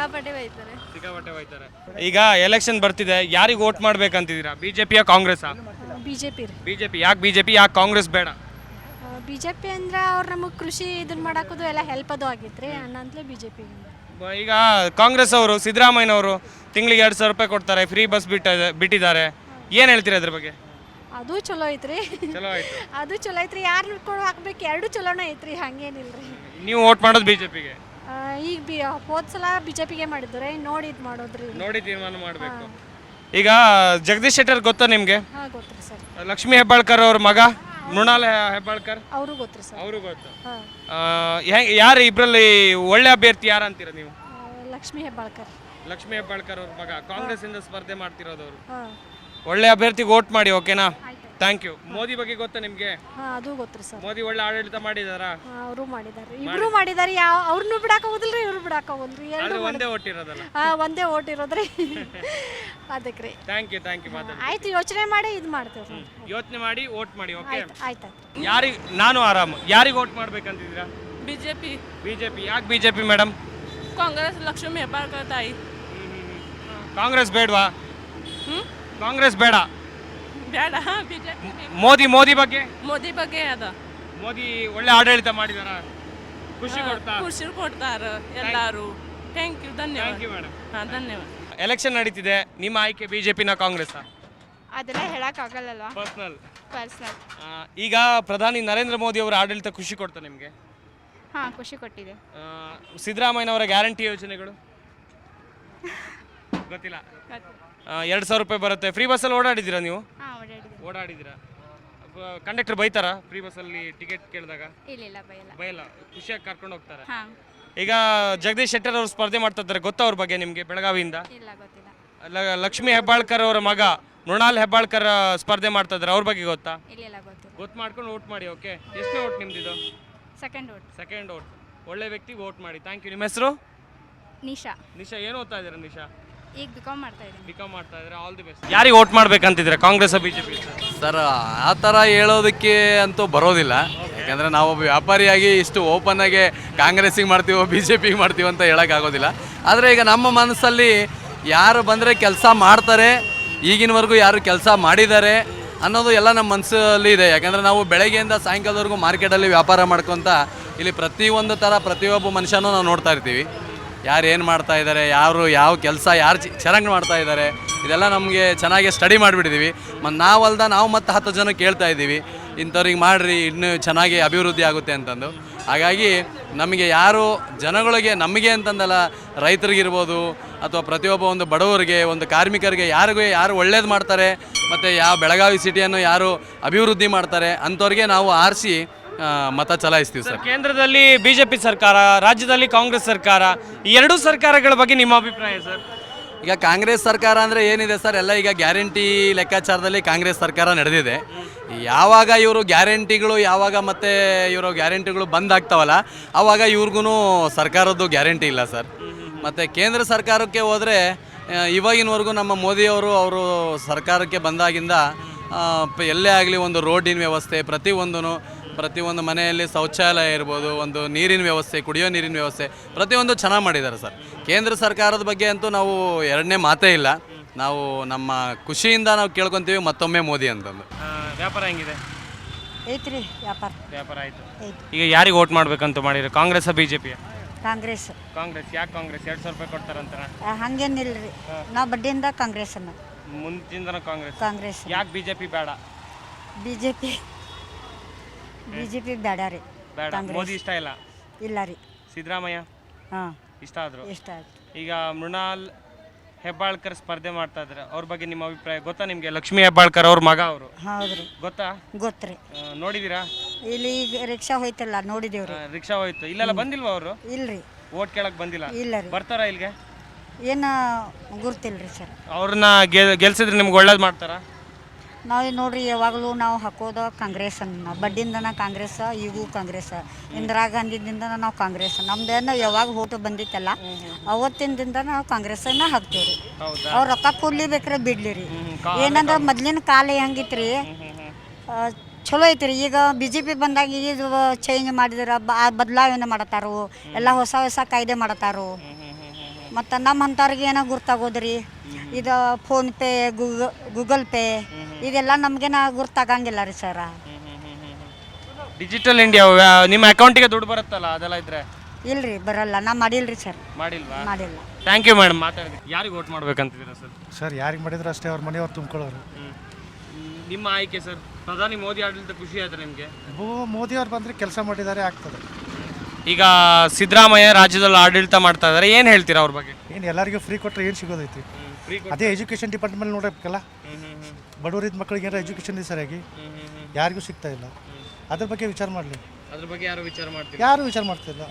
Speaker 6: ಬೈತಾರೆ.
Speaker 1: ಈಗ ಎಲೆಕ್ಷನ್ ಬರ್ತಿದೆ, ಯಾರಿಗೆ ವೋಟ್ ಮಾಡ್ಬೇಕಂತಿದ್ದೀರಾ? ಬಿಜೆಪಿಯ ಕಾಂಗ್ರೆಸ್? ಬಿಜೆಪಿ. ಯಾಕೆ ಬಿಜೆಪಿ, ಯಾಕೆ ಕಾಂಗ್ರೆಸ್ ಬೇಡ?
Speaker 6: ಬಿಜೆಪಿ ಅಂದ್ರೆ ಅವ್ರು ನಮಗೆ ಕೃಷಿ ಇದನ್ನ ಮಾಡಾಕೋದು ಎಲ್ಲ ಹೆಲ್ಪ್ ಅದು ಆಗಿತ್ರಿ, ಅನ್ನಂತಲೇ ಬಿಜೆಪಿ.
Speaker 1: ಈಗ ಕಾಂಗ್ರೆಸ್ ಅವರು, ಸಿದ್ದರಾಮಯ್ಯನವರು ತಿಂಗಳಿಗೆ 2000 ರೂಪಾಯಿ ಕೊಡ್ತಾರೆ, ಫ್ರೀ ಬಸ್ ಬಿಟ್ಟಿದ್ದಾರೆ. ಏನು ಹೇಳ್ತೀರಾ ಅದ್ರ ಬಗ್ಗೆ?
Speaker 6: ಅದು ಚಲೋ ಐತ್ರಿ,
Speaker 1: ಚಲೋ ಆಯ್ತು.
Speaker 6: ಅದು ಚಲೋ ಐತ್ರಿ. ಯಾರು ನೋಡ್ಕೊಂಡು ಹಾಕ್ಬೇಕು, ಎರಡು ಚಲೋನೇ ಐತ್ರಿ, ಹಂಗೇನಿಲ್ರಿ.
Speaker 1: ನೀವು ವೋಟ್ ಮಾಡೋದು ಬಿಜೆಪಿಗೆ?
Speaker 6: ಈಗ ಹೋದ ಸಲ ಬಿಜೆಪಿಗೆ ಮಾಡಿದ್ರೆ ನೋಡಿ ಇದು ಮಾಡೋದ್ರಿ,
Speaker 1: ನೋಡಿ ತೀರ್ಮಾನ ಮಾಡಬೇಕು. ಈಗ ಜಗದೀಶ್ ಶೆಟ್ಟರ್ ಗೊತ್ತಾ ನಿಮಗೆ?
Speaker 6: ಹಾಂ ಗೊತ್ತ್ರಿ ಸರ್.
Speaker 1: ಲಕ್ಷ್ಮೀ ಹೆಬ್ಬಾಳ್ಕರ್ ಅವ್ರ ಮಗ ಮೃಣಾಲ್ ಹೆಬ್ಬಾಳ್ಕರ್,
Speaker 6: ಅವರು ಗೊತ್ತ್ರಿ ಸರ್.
Speaker 1: ಅವರು ಗೊತ್ತು.
Speaker 6: ಹಾಂ,
Speaker 1: ಯಾರು ಇಬ್ಬರಲ್ಲಿ ಒಳ್ಳೆ ಅಭ್ಯರ್ಥಿ ಯಾರು ಅಂತೀರಾ ನೀವು?
Speaker 6: ಲಕ್ಷ್ಮೀ ಹೆಬ್ಬಾಳ್ಕರ್.
Speaker 1: ಲಕ್ಷ್ಮೀ ಹೆಬ್ಬಾಳ್ಕರ್ ಅವ್ರ ಮಗ ಕಾಂಗ್ರೆಸ್ ಇಂದ ಸ್ಪರ್ಧೆ ಮಾಡ್ತಿರೋದು ಅವರು.
Speaker 6: ಹಾಂ,
Speaker 1: ಒಳ್ಳೆ ಅಭ್ಯರ್ಥಿಗೆ ವೋಟ್ ಮಾಡಿ, ಓಕೆನಾ? Thank you. ಮೋದಿ ಬಗ್ಗೆ ಗೊತ್ತಾ ನಿಮಗೆ?
Speaker 6: ಹಾಂ, ಅದು ಗೊತ್ತ್ರಿ ಸರ್.
Speaker 1: ಮೋದಿ ಒಳ್ಳೆ ಆಡಳಿತ ಮಾಡಿದಾರಾ?
Speaker 6: ಅವರು ಮಾಡಿದ್ದಾರೆ, ಇಬ್ರು ಮಾಡಿದ್ದಾರೆ. ಯಾವ ಅವ್ರನ್ನೂ ಬಿಡಾಕ ಹೋದಿಲ್ರಿ, ಇವ್ರು ಬಿಡಾಕ ಹೋದ್ರಿ, ಎರಡು
Speaker 1: ಒಂದೇ ಓಟ್ ಇರೋದಲ್ಲ?
Speaker 6: ಒಂದೇ ಓಟ್ ಇರೋದ್ರಿ. ಅದಕ್ಕೆ ರೀ.
Speaker 1: ಥ್ಯಾಂಕ್ ಯು ಮಾತಾಡಿ.
Speaker 6: ಆಯ್ತು, ಯೋಚನೆ ಮಾಡಿ ಇದು ಮಾಡ್ತೇವೆ.
Speaker 1: ಯೋಚನೆ ಮಾಡಿ ವೋಟ್ ಮಾಡಿ, ಓಕೆ?
Speaker 6: ಆಯ್ತು.
Speaker 1: ಯಾರಿಗೆ? ನಾನು ಆರಾಮ್. ಯಾರಿಗೆ ವೋಟ್ ಮಾಡ್ಬೇಕಂತಿದ್ದೀರಾ?
Speaker 5: ಬಿಜೆಪಿ.
Speaker 1: ಯಾಕೆ ಬಿಜೆಪಿ ಮೇಡಮ್?
Speaker 5: ಕಾಂಗ್ರೆಸ್ ಲಕ್ಷ್ಮೀ ಹೆಬ್ಬಾಳ್ಕರ್ ತಾಯಿ.
Speaker 1: ಕಾಂಗ್ರೆಸ್ ಬೇಡವಾ? ಕಾಂಗ್ರೆಸ್ ಬೇಡ,
Speaker 5: ಬೇಡ. ಬಿಜೆಪಿ.
Speaker 1: ಮೋದಿ ಬಗ್ಗೆ?
Speaker 5: ಮೋದಿ ಬಗ್ಗೆ ಅದ.
Speaker 1: ಮೋದಿ ಒಳ್ಳೆ ಆಡಳಿತ ಮಾಡಿದಾರ, ಖುಷಿ
Speaker 5: ಕೊಡ್ತಾರ ಎಲ್ಲಾರು. ಥ್ಯಾಂಕ್ ಯು, ಧನ್ಯವಾದ.
Speaker 1: ಮೇಡಮ್.
Speaker 5: ಹಾಂ, ಧನ್ಯವಾದ.
Speaker 1: ಎಲೆಕ್ಷನ್ ನಡೀತಿದೆ, ನಿಮ್ಮ ಆಯ್ಕೆ ಬಿಜೆಪಿನ ಕಾಂಗ್ರೆಸ್?
Speaker 5: ಅದೆಲ್ಲ ಹೇಳಕ್ಕಾಗಲ್ಲ,
Speaker 1: ಪರ್ಸನಲ್.
Speaker 5: ಪರ್ಸನಲ್.
Speaker 1: ಈಗ ಪ್ರಧಾನಿ ನರೇಂದ್ರ ಮೋದಿ ಅವರ ಆಡಳಿತ ಖುಷಿ ಕೊಡ್ತಾ ನಿಮಗೆ?
Speaker 5: ಹಾಂ, ಖುಷಿ ಕೊಟ್ಟಿದೆ.
Speaker 1: ಸಿದ್ದರಾಮಯ್ಯನವರ ಗ್ಯಾರಂಟಿ ಯೋಜನೆಗಳು ಗೊತ್ತಿಲ್ಲ? 2000 ರೂಪಾಯಿ ಬರುತ್ತೆ. ಫ್ರೀ ಬಸ್ಸಲ್ಲಿ ಓಡಾಡಿದ್ದೀರಾ ನೀವು?
Speaker 5: ಹಾಂ,
Speaker 1: ಓಡಾಡಿದ್ದೀರಾ? ಕಂಡಕ್ಟರ್ ಬೈತಾರ ಫ್ರೀ ಬಸ್ಸಲ್ಲಿ ಟಿಕೆಟ್ ಕೇಳಿದಾಗ?
Speaker 5: ಇಲ್ಲ,
Speaker 1: ಬೈಯಲ್ಲ, ಖುಷಿಯಾಗಿ ಕರ್ಕೊಂಡು ಹೋಗ್ತಾರೆ.
Speaker 5: ಹಾಂ.
Speaker 1: ಈಗ ಜಗದೀಶ್ ಶೆಟ್ಟರ್ ಅವರು ಸ್ಪರ್ಧೆ ಮಾಡ್ತಾ ಇದ್ದಾರೆ, ಗೊತ್ತಾ ಅವ್ರ ಬಗ್ಗೆ ನಿಮಗೆ? ಬೆಳಗಾವಿಯಿಂದ
Speaker 5: ಇಲ್ಲ, ಗೊತ್ತಿಲ್ಲ.
Speaker 1: ಲಕ್ಷ್ಮೀ ಹೆಬ್ಬಾಳ್ಕರ್ ಅವರ ಮಗ ಮೃಣಾಲ್ ಹೆಬ್ಬಾಳ್ಕರ್ ಸ್ಪರ್ಧೆ ಮಾಡ್ತಾ ಇದ್ದಾರೆ, ಅವ್ರ ಬಗ್ಗೆ ಗೊತ್ತಾ?
Speaker 5: ಇಲ್ಲ, ಗೊತ್ತಿಲ್ಲ.
Speaker 1: ಗೊತ್ತು ಮಾಡ್ಕೊಂಡು ವೋಟ್ ಮಾಡಿ, ಓಕೆ? ಎಷ್ಟನೇ ವೋಟ್ ನಿಮ್ದಿದು?
Speaker 5: Second vote.
Speaker 1: ಒಳ್ಳೆ ವ್ಯಕ್ತಿ, ವೋಟ್ ಮಾಡಿ. Thank you. ನಿಮ್ಮ ಹೆಸರು?
Speaker 5: ನಿಶಾ.
Speaker 1: ಏನು ಓದ್ತಾ ಇದ್ದೀರಾ ನಿಶಾ?
Speaker 5: ಈಗ ಬಿಕಾಮ್ ಮಾಡ್ತಾ
Speaker 1: ಇದ್ದಾರೆ. All the best. ಯಾರಿಗೆ ವೋಟ್ ಮಾಡ್ಬೇಕಂತಿದ್ರೆ, ಕಾಂಗ್ರೆಸ್ ಬಿಜೆಪಿ?
Speaker 10: ಸರ್, ಆ ಥರ ಹೇಳೋದಕ್ಕೆ ಅಂತೂ ಬರೋದಿಲ್ಲ. ಯಾಕಂದರೆ ನಾವೊಬ್ಬ ವ್ಯಾಪಾರಿಯಾಗಿ ಇಷ್ಟು ಓಪನ್ನಾಗಿ ಕಾಂಗ್ರೆಸ್ಸಿಗೆ ಮಾಡ್ತೀವೋ ಬಿ ಜೆ ಪಿಗೆ ಮಾಡ್ತೀವೋ ಅಂತ ಹೇಳೋಕ್ಕಾಗೋದಿಲ್ಲ. ಆದರೆ ಈಗ ನಮ್ಮ ಮನಸ್ಸಲ್ಲಿ ಯಾರು ಬಂದರೆ ಕೆಲಸ ಮಾಡ್ತಾರೆ, ಈಗಿನವರೆಗೂ ಯಾರು ಕೆಲಸ ಮಾಡಿದ್ದಾರೆ ಅನ್ನೋದು ಎಲ್ಲ ನಮ್ಮ ಮನಸ್ಸಲ್ಲಿ ಇದೆ. ಯಾಕಂದರೆ ನಾವು ಬೆಳಗ್ಗೆಯಿಂದ ಸಾಯಂಕಾಲದವರೆಗೂ ಮಾರ್ಕೆಟಲ್ಲಿ ವ್ಯಾಪಾರ ಮಾಡ್ಕೊತ ಇಲ್ಲಿ ಪ್ರತಿಯೊಂದು ಥರ ಪ್ರತಿಯೊಬ್ಬ ಮನುಷ್ಯನೂ ನಾವು ನೋಡ್ತಾ ಇರ್ತೀವಿ. ಯಾರು ಏನು ಮಾಡ್ತಾ ಇದ್ದಾರೆ, ಯಾರು ಯಾವ ಕೆಲಸ ಯಾರು ಚೆನ್ನಾಗಿ ಮಾಡ್ತಾ ಇದ್ದಾರೆ, ಇದೆಲ್ಲ ನಮಗೆ ಚೆನ್ನಾಗಿ ಸ್ಟಡಿ ಮಾಡಿಬಿಟ್ಟಿದ್ದೀವಿ. ನಾವು ಮತ್ತು 10 ಜನ ಕೇಳ್ತಾ ಇದ್ದೀವಿ, ಇಂಥವ್ರಿಗೆ ಮಾಡಿರಿ ಇನ್ನೂ ಚೆನ್ನಾಗಿ ಅಭಿವೃದ್ಧಿ ಆಗುತ್ತೆ ಅಂತಂದು. ಹಾಗಾಗಿ ನಮಗೆ ಯಾರು ಜನಗಳಿಗೆ, ನಮಗೆ ಅಂತಂದಲ್ಲ, ರೈತರಿಗಿರ್ಬೋದು ಅಥವಾ ಪ್ರತಿಯೊಬ್ಬ ಒಂದು ಬಡವರಿಗೆ, ಒಂದು ಕಾರ್ಮಿಕರಿಗೆ, ಯಾರು ಒಳ್ಳೇದು ಮಾಡ್ತಾರೆ ಮತ್ತು ಯಾವ ಬೆಳಗಾವಿ ಸಿಟಿಯನ್ನು ಯಾರು ಅಭಿವೃದ್ಧಿ ಮಾಡ್ತಾರೆ ಅಂಥವ್ರಿಗೆ ನಾವು ಆರಿಸಿ ಮತ ಚಲಾಯಿಸ್ತೀವಿ ಸರ್.
Speaker 1: ಕೇಂದ್ರದಲ್ಲಿ ಬಿಜೆಪಿ ಸರ್ಕಾರ, ರಾಜ್ಯದಲ್ಲಿ ಕಾಂಗ್ರೆಸ್ ಸರ್ಕಾರ, ಈ ಎರಡೂ ಸರ್ಕಾರಗಳ ಬಗ್ಗೆ ನಿಮ್ಮ ಅಭಿಪ್ರಾಯ ಸರ್?
Speaker 10: ಈಗ ಕಾಂಗ್ರೆಸ್ ಸರ್ಕಾರ ಅಂದರೆ ಏನಿದೆ ಸರ್, ಎಲ್ಲ ಈಗ ಗ್ಯಾರಂಟಿ ಲೆಕ್ಕಾಚಾರದಲ್ಲಿ ಕಾಂಗ್ರೆಸ್ ಸರ್ಕಾರ ನಡೆದಿದೆ. ಯಾವಾಗ ಇವರು ಗ್ಯಾರಂಟಿಗಳು ಬಂದಾಗ್ತಾವಲ್ಲ, ಆವಾಗ ಇವ್ರಿಗೂ ಸರ್ಕಾರದ್ದು ಗ್ಯಾರಂಟಿ ಇಲ್ಲ ಸರ್. ಮತ್ತು ಕೇಂದ್ರ ಸರ್ಕಾರಕ್ಕೆ ಹೋದರೆ ಇವಾಗಿನವರೆಗೂ ನಮ್ಮ ಮೋದಿಯವರು ಸರ್ಕಾರಕ್ಕೆ ಬಂದಾಗಿಂದ ಎಲ್ಲೇ ಆಗಲಿ ಒಂದು ರೋಡಿನ ವ್ಯವಸ್ಥೆ, ಪ್ರತಿಯೊಂದು ಮನೆಯಲ್ಲಿ ಶೌಚಾಲಯ ಇರ್ಬೋದು, ಒಂದು ನೀರಿನ ವ್ಯವಸ್ಥೆ, ಕುಡಿಯೋ ನೀರಿನ ವ್ಯವಸ್ಥೆ, ಪ್ರತಿಯೊಂದು ಚೆನ್ನಾಗಿ ಮಾಡಿದ್ದಾರೆ ಸರ್. ಕೇಂದ್ರ ಸರ್ಕಾರದ ಬಗ್ಗೆ ಅಂತೂ ನಾವು ಎರಡನೇ ಮಾತೇ ಇಲ್ಲ. ನಾವು ನಮ್ಮ ಖುಷಿಯಿಂದ ನಾವು ಕೇಳ್ಕೊತೀವಿ ಮತ್ತೊಮ್ಮೆ ಮೋದಿ ಅಂತಂದು.
Speaker 1: ವ್ಯಾಪಾರ ಹೆಂಗಿದೆ?
Speaker 12: ಐತ್ರಿ ವ್ಯಾಪಾರ
Speaker 1: ವ್ಯಾಪಾರ ಆಯಿತು.
Speaker 12: ಐತಿ.
Speaker 1: ಈಗ ಯಾರಿಗೆ ವೋಟ್ ಮಾಡ್ಬೇಕಂತ ಮಾಡಿರಿ, ಕಾಂಗ್ರೆಸ್ BJP?
Speaker 12: ಕಾಂಗ್ರೆಸ್.
Speaker 1: ಕಾಂಗ್ರೆಸ್. ಯಾಕೆ ಕಾಂಗ್ರೆಸ್? 2,000 ರೂಪಾಯಿ ಕೊಡ್ತಾರಂತಾರ.
Speaker 12: ಹಂಗೇನಿಲ್ರಿ, ನಾವು ಬಡ್ಡಿಯಿಂದ ಕಾಂಗ್ರೆಸ್ ಅನ್ನ.
Speaker 1: ಮುಂಚಿಂದನ
Speaker 12: ಕಾಂಗ್ರೆಸ್.
Speaker 1: ಯಾಕೆ BJP ಬೇಡ?
Speaker 12: ಬಿಜೆಪಿ ಬೇಡ ರೀ.
Speaker 1: ಬೇಡ. ಮೋದಿ ಇಷ್ಟ ಇಲ್ಲ?
Speaker 12: ಇಲ್ಲ ರೀ.
Speaker 1: ಸಿದ್ದರಾಮಯ್ಯ
Speaker 12: ಹಾಂ
Speaker 1: ಇಷ್ಟ ಆದ್ರು.
Speaker 12: ಇಷ್ಟ ಆಯ್ತು.
Speaker 1: ಈಗ ಮೃಣಾಲ್ ಹೆಬ್ಬಾಳ್ಕರ್ ಸ್ಪರ್ಧೆ ಮಾಡ್ತಾ ಇದ್ದಾರೆ, ಅವ್ರ ಬಗ್ಗೆ ನಿಮ್ಮ ಅಭಿಪ್ರಾಯ ಗೊತ್ತಾ ನಿಮಗೆ? ಲಕ್ಷ್ಮೀ ಹೆಬ್ಬಾಳ್ಕರ್ ಅವ್ರ ಮಗ ಅವರು.
Speaker 12: ಹೌದ್ರಿ.
Speaker 1: ಗೊತ್ತಾ?
Speaker 12: ಗೊತ್ತ್ರಿ.
Speaker 1: ನೋಡಿದೀರಾ?
Speaker 12: ಇಲ್ಲಿ ಈಗ ರಿಕ್ಷಾ ಹೋಯ್ತಲ್ಲ, ನೋಡಿದೇವ್ರಿ.
Speaker 1: ರಿಕ್ಷಾ ಹೋಯ್ತು. ಇಲ್ಲೆಲ್ಲ ಬಂದಿಲ್ವಾ ಅವರು?
Speaker 12: ಇಲ್ರಿ.
Speaker 1: ವೋಟ್ ಕೇಳಕ್ ಬಂದಿಲ್ಲ?
Speaker 12: ಇಲ್ಲ ರೀ.
Speaker 1: ಬರ್ತಾರಾ ಇಲ್ಲಿಗೆ?
Speaker 12: ಏನು ಗುರ್ತಿಲ್ರಿ ಸರ್.
Speaker 1: ಅವ್ರನ್ನ ಗೆಲ್ಸಿದ್ರೆ ನಿಮ್ಗೆ ಒಳ್ಳೇದು ಮಾಡ್ತಾರಾ?
Speaker 12: ನಾವು ನೋಡ್ರಿ ಯಾವಾಗಲೂ ನಾವು ಹಾಕೋದು ಕಾಂಗ್ರೆಸ್ ಅನ್ನ. ಬಡ್ಡಿಂದನ ಕಾಂಗ್ರೆಸ್, ಈಗೂ ಕಾಂಗ್ರೆಸ್. ಇಂದಿರಾ ಗಾಂಧಿದಿಂದ ನಾವು ಕಾಂಗ್ರೆಸ್. ನಮ್ದೇನು ಯಾವಾಗ ಓಟು ಬಂದಿತ್ತಲ್ಲ ಅವತ್ತಿಂದಿಂದ ನಾವು ಕಾಂಗ್ರೆಸ್ಸನ್ನ ಹಾಕ್ತೀವಿ ರೀ. ಅವ್ರು ರೊಕ್ಕ ಕೊಡ್ಲಿಬೇಕ್ರೆ ಬಿಡ್ಲಿ ರೀ. ಏನಂದ್ರೆ ಮೊದ್ಲಿನ ಕಾಲ ಹೆಂಗಿತ್ತು ರೀ, ಚಲೋ ಐತ್ರಿ. ಈಗ BJP ಬಂದಾಗ ಇದು ಚೇಂಜ್ ಮಾಡಿದ್ರೆ ಬದಲಾವಣೆ ಮಾಡತ್ತಾರು, ಎಲ್ಲ ಹೊಸ ಹೊಸ ಕಾಯ್ದೆ ಮಾಡತ್ತಾರು. ಮತ್ತು ನಮ್ಮ ಅಂಥವ್ರಿಗೆ ಏನೋ ಗುರ್ತಾಗೋದ್ರಿ, ಇದು ಫೋನ್ಪೇ, ಗೂಗಲ್ ಪೇ ಇದೆಲ್ಲ ನಮಗೇನ ಗುರ್ತಾಗಂಗಿಲ್ಲ ರೀ ಸರ.
Speaker 1: ಡಿಜಿಟಲ್ ಇಂಡಿಯಾ ನಿಮ್ಮ ಅಕೌಂಟಿಗೆ ದುಡ್ಡು ಬರುತ್ತಲ್ಲ, ಅದೆಲ್ಲ ಇದ್ರೆ?
Speaker 12: ಇಲ್ರಿ, ಬರಲ್ಲ. ನಾ ಮಾಡಿಲ್ರಿ ಸರ್.
Speaker 1: ಮಾಡಿಲ್ವಾ?
Speaker 12: ಮಾಡಿಲ್ಲ.
Speaker 1: ಥ್ಯಾಂಕ್ ಯು ಮೇಡಮ್, ಮಾತಾಡಿದ್ರಿ. ಯಾರಿಗೆ ವೋಟ್ ಮಾಡ್ಬೇಕಂತಿದ್ದೀರಾ ಸರ್?
Speaker 7: ಸರ್ ಯಾರಿಗೆ ಮಾಡಿದ್ರು ಅಷ್ಟೇ, ಅವ್ರ ಮನೆಯವ್ರು ತುಂಬ್ಕೊಳ್ಳೋರು.
Speaker 1: ನಿಮ್ಮ ಆಯ್ಕೆ ಸರ್, ಪ್ರಧಾನಿ ಮೋದಿ ಆಡಳಿತ ಖುಷಿ ಆಯ್ತು ನಿಮಗೆ?
Speaker 7: ಮೋದಿ ಅವ್ರು ಬಂದರೆ ಕೆಲಸ ಮಾಡಿದ್ದಾರೆ, ಆಗ್ತದೆ.
Speaker 1: ಈಗ ಸಿದ್ದರಾಮಯ್ಯ ರಾಜ್ಯದಲ್ಲಿ ಆಡಳಿತ ಮಾಡ್ತಾ ಇದ್ದಾರೆ, ಏನು ಹೇಳ್ತೀರಾ ಅವ್ರ ಬಗ್ಗೆ?
Speaker 7: ಏನು ಎಲ್ಲರಿಗೂ ಫ್ರೀ ಕೊಟ್ಟರೆ ಏನು ಸಿಗೋದೈತಿ? ಅದೇ ಎಜುಕೇಷನ್ ಡಿಪಾರ್ಟ್ಮೆಂಟ್ ನೋಡಬೇಕಲ್ಲ. ಬಡವರಿದ್ದ ಮಕ್ಕಳಿಗೆ ಏನಾರ ಎಜುಕೇಷನ್ ಸರಿಯಾಗಿ ಯಾರಿಗೂ ಸಿಗ್ತಾ ಇಲ್ಲ. ಅದ್ರ ಬಗ್ಗೆ ವಿಚಾರ ಮಾಡಲಿ.
Speaker 1: ಅದ್ರ ಬಗ್ಗೆ ಯಾರು ವಿಚಾರ ಮಾಡ್ತೀರಾ?
Speaker 7: ಯಾರು ವಿಚಾರ ಮಾಡ್ತಿಲ್ಲ.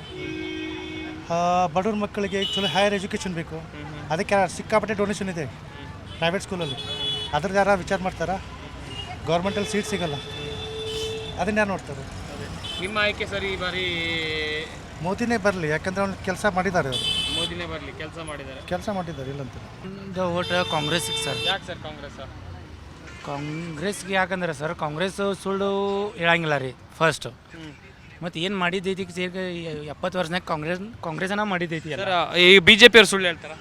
Speaker 7: ಬಡವ್ರ ಮಕ್ಕಳಿಗೆ ಚಲೋ ಹೈಯರ್ ಎಜುಕೇಷನ್ ಬೇಕು, ಅದಕ್ಕೆ ಸಿಕ್ಕಾಪಟ್ಟೆ ಡೊನೇಷನ್ ಇದೆ ಪ್ರೈವೇಟ್ ಸ್ಕೂಲಲ್ಲಿ. ಅದ್ರದ್ದು ಯಾರು ವಿಚಾರ ಮಾಡ್ತಾರಾ? ಗೌರ್ಮೆಂಟಲ್ಲಿ ಸೀಟ್ ಸಿಗಲ್ಲ, ಅದನ್ನ ಯಾರು ನೋಡ್ತಾರೆ?
Speaker 1: ನಿಮ್ಮ ಆಯ್ಕೆ ಸರ್ ಈ ಬಾರಿ
Speaker 7: ಮೋದಿನೇ ಬರಲಿ, ಯಾಕಂದ್ರೆ ಅವ್ನು ಕೆಲಸ ಮಾಡಿದ್ದಾರೆ. ಅವರು
Speaker 1: ಮೋದಿನೇ ಬರಲಿ, ಕೆಲಸ ಮಾಡಿದ್ದಾರೆ
Speaker 7: ಇಲ್ಲಂತ.
Speaker 13: ಓಟ್ ಕಾಂಗ್ರೆಸ್ಗೆ ಸರ್.
Speaker 1: ಯಾಕೆ ಸರ್ ಕಾಂಗ್ರೆಸ್?
Speaker 13: ಕಾಂಗ್ರೆಸ್ಗೆ ಯಾಕಂದ್ರೆ ಸರ್, ಕಾಂಗ್ರೆಸ್ ಸುಳ್ಳು ಹೇಳಂಗಿಲ್ಲ ರೀ ಫಸ್ಟ್. ಮತ್ತು ಏನು ಮಾಡಿದ್ದೈತಿ ಸೇರಿ 70 ವರ್ಷನಾಗ ಕಾಂಗ್ರೆಸ್ನ ಮಾಡಿದ್ದೈತಿ
Speaker 1: ಸರ್. ಈ BJP ಅವ್ರು ಸುಳ್ಳು ಹೇಳ್ತಾರ?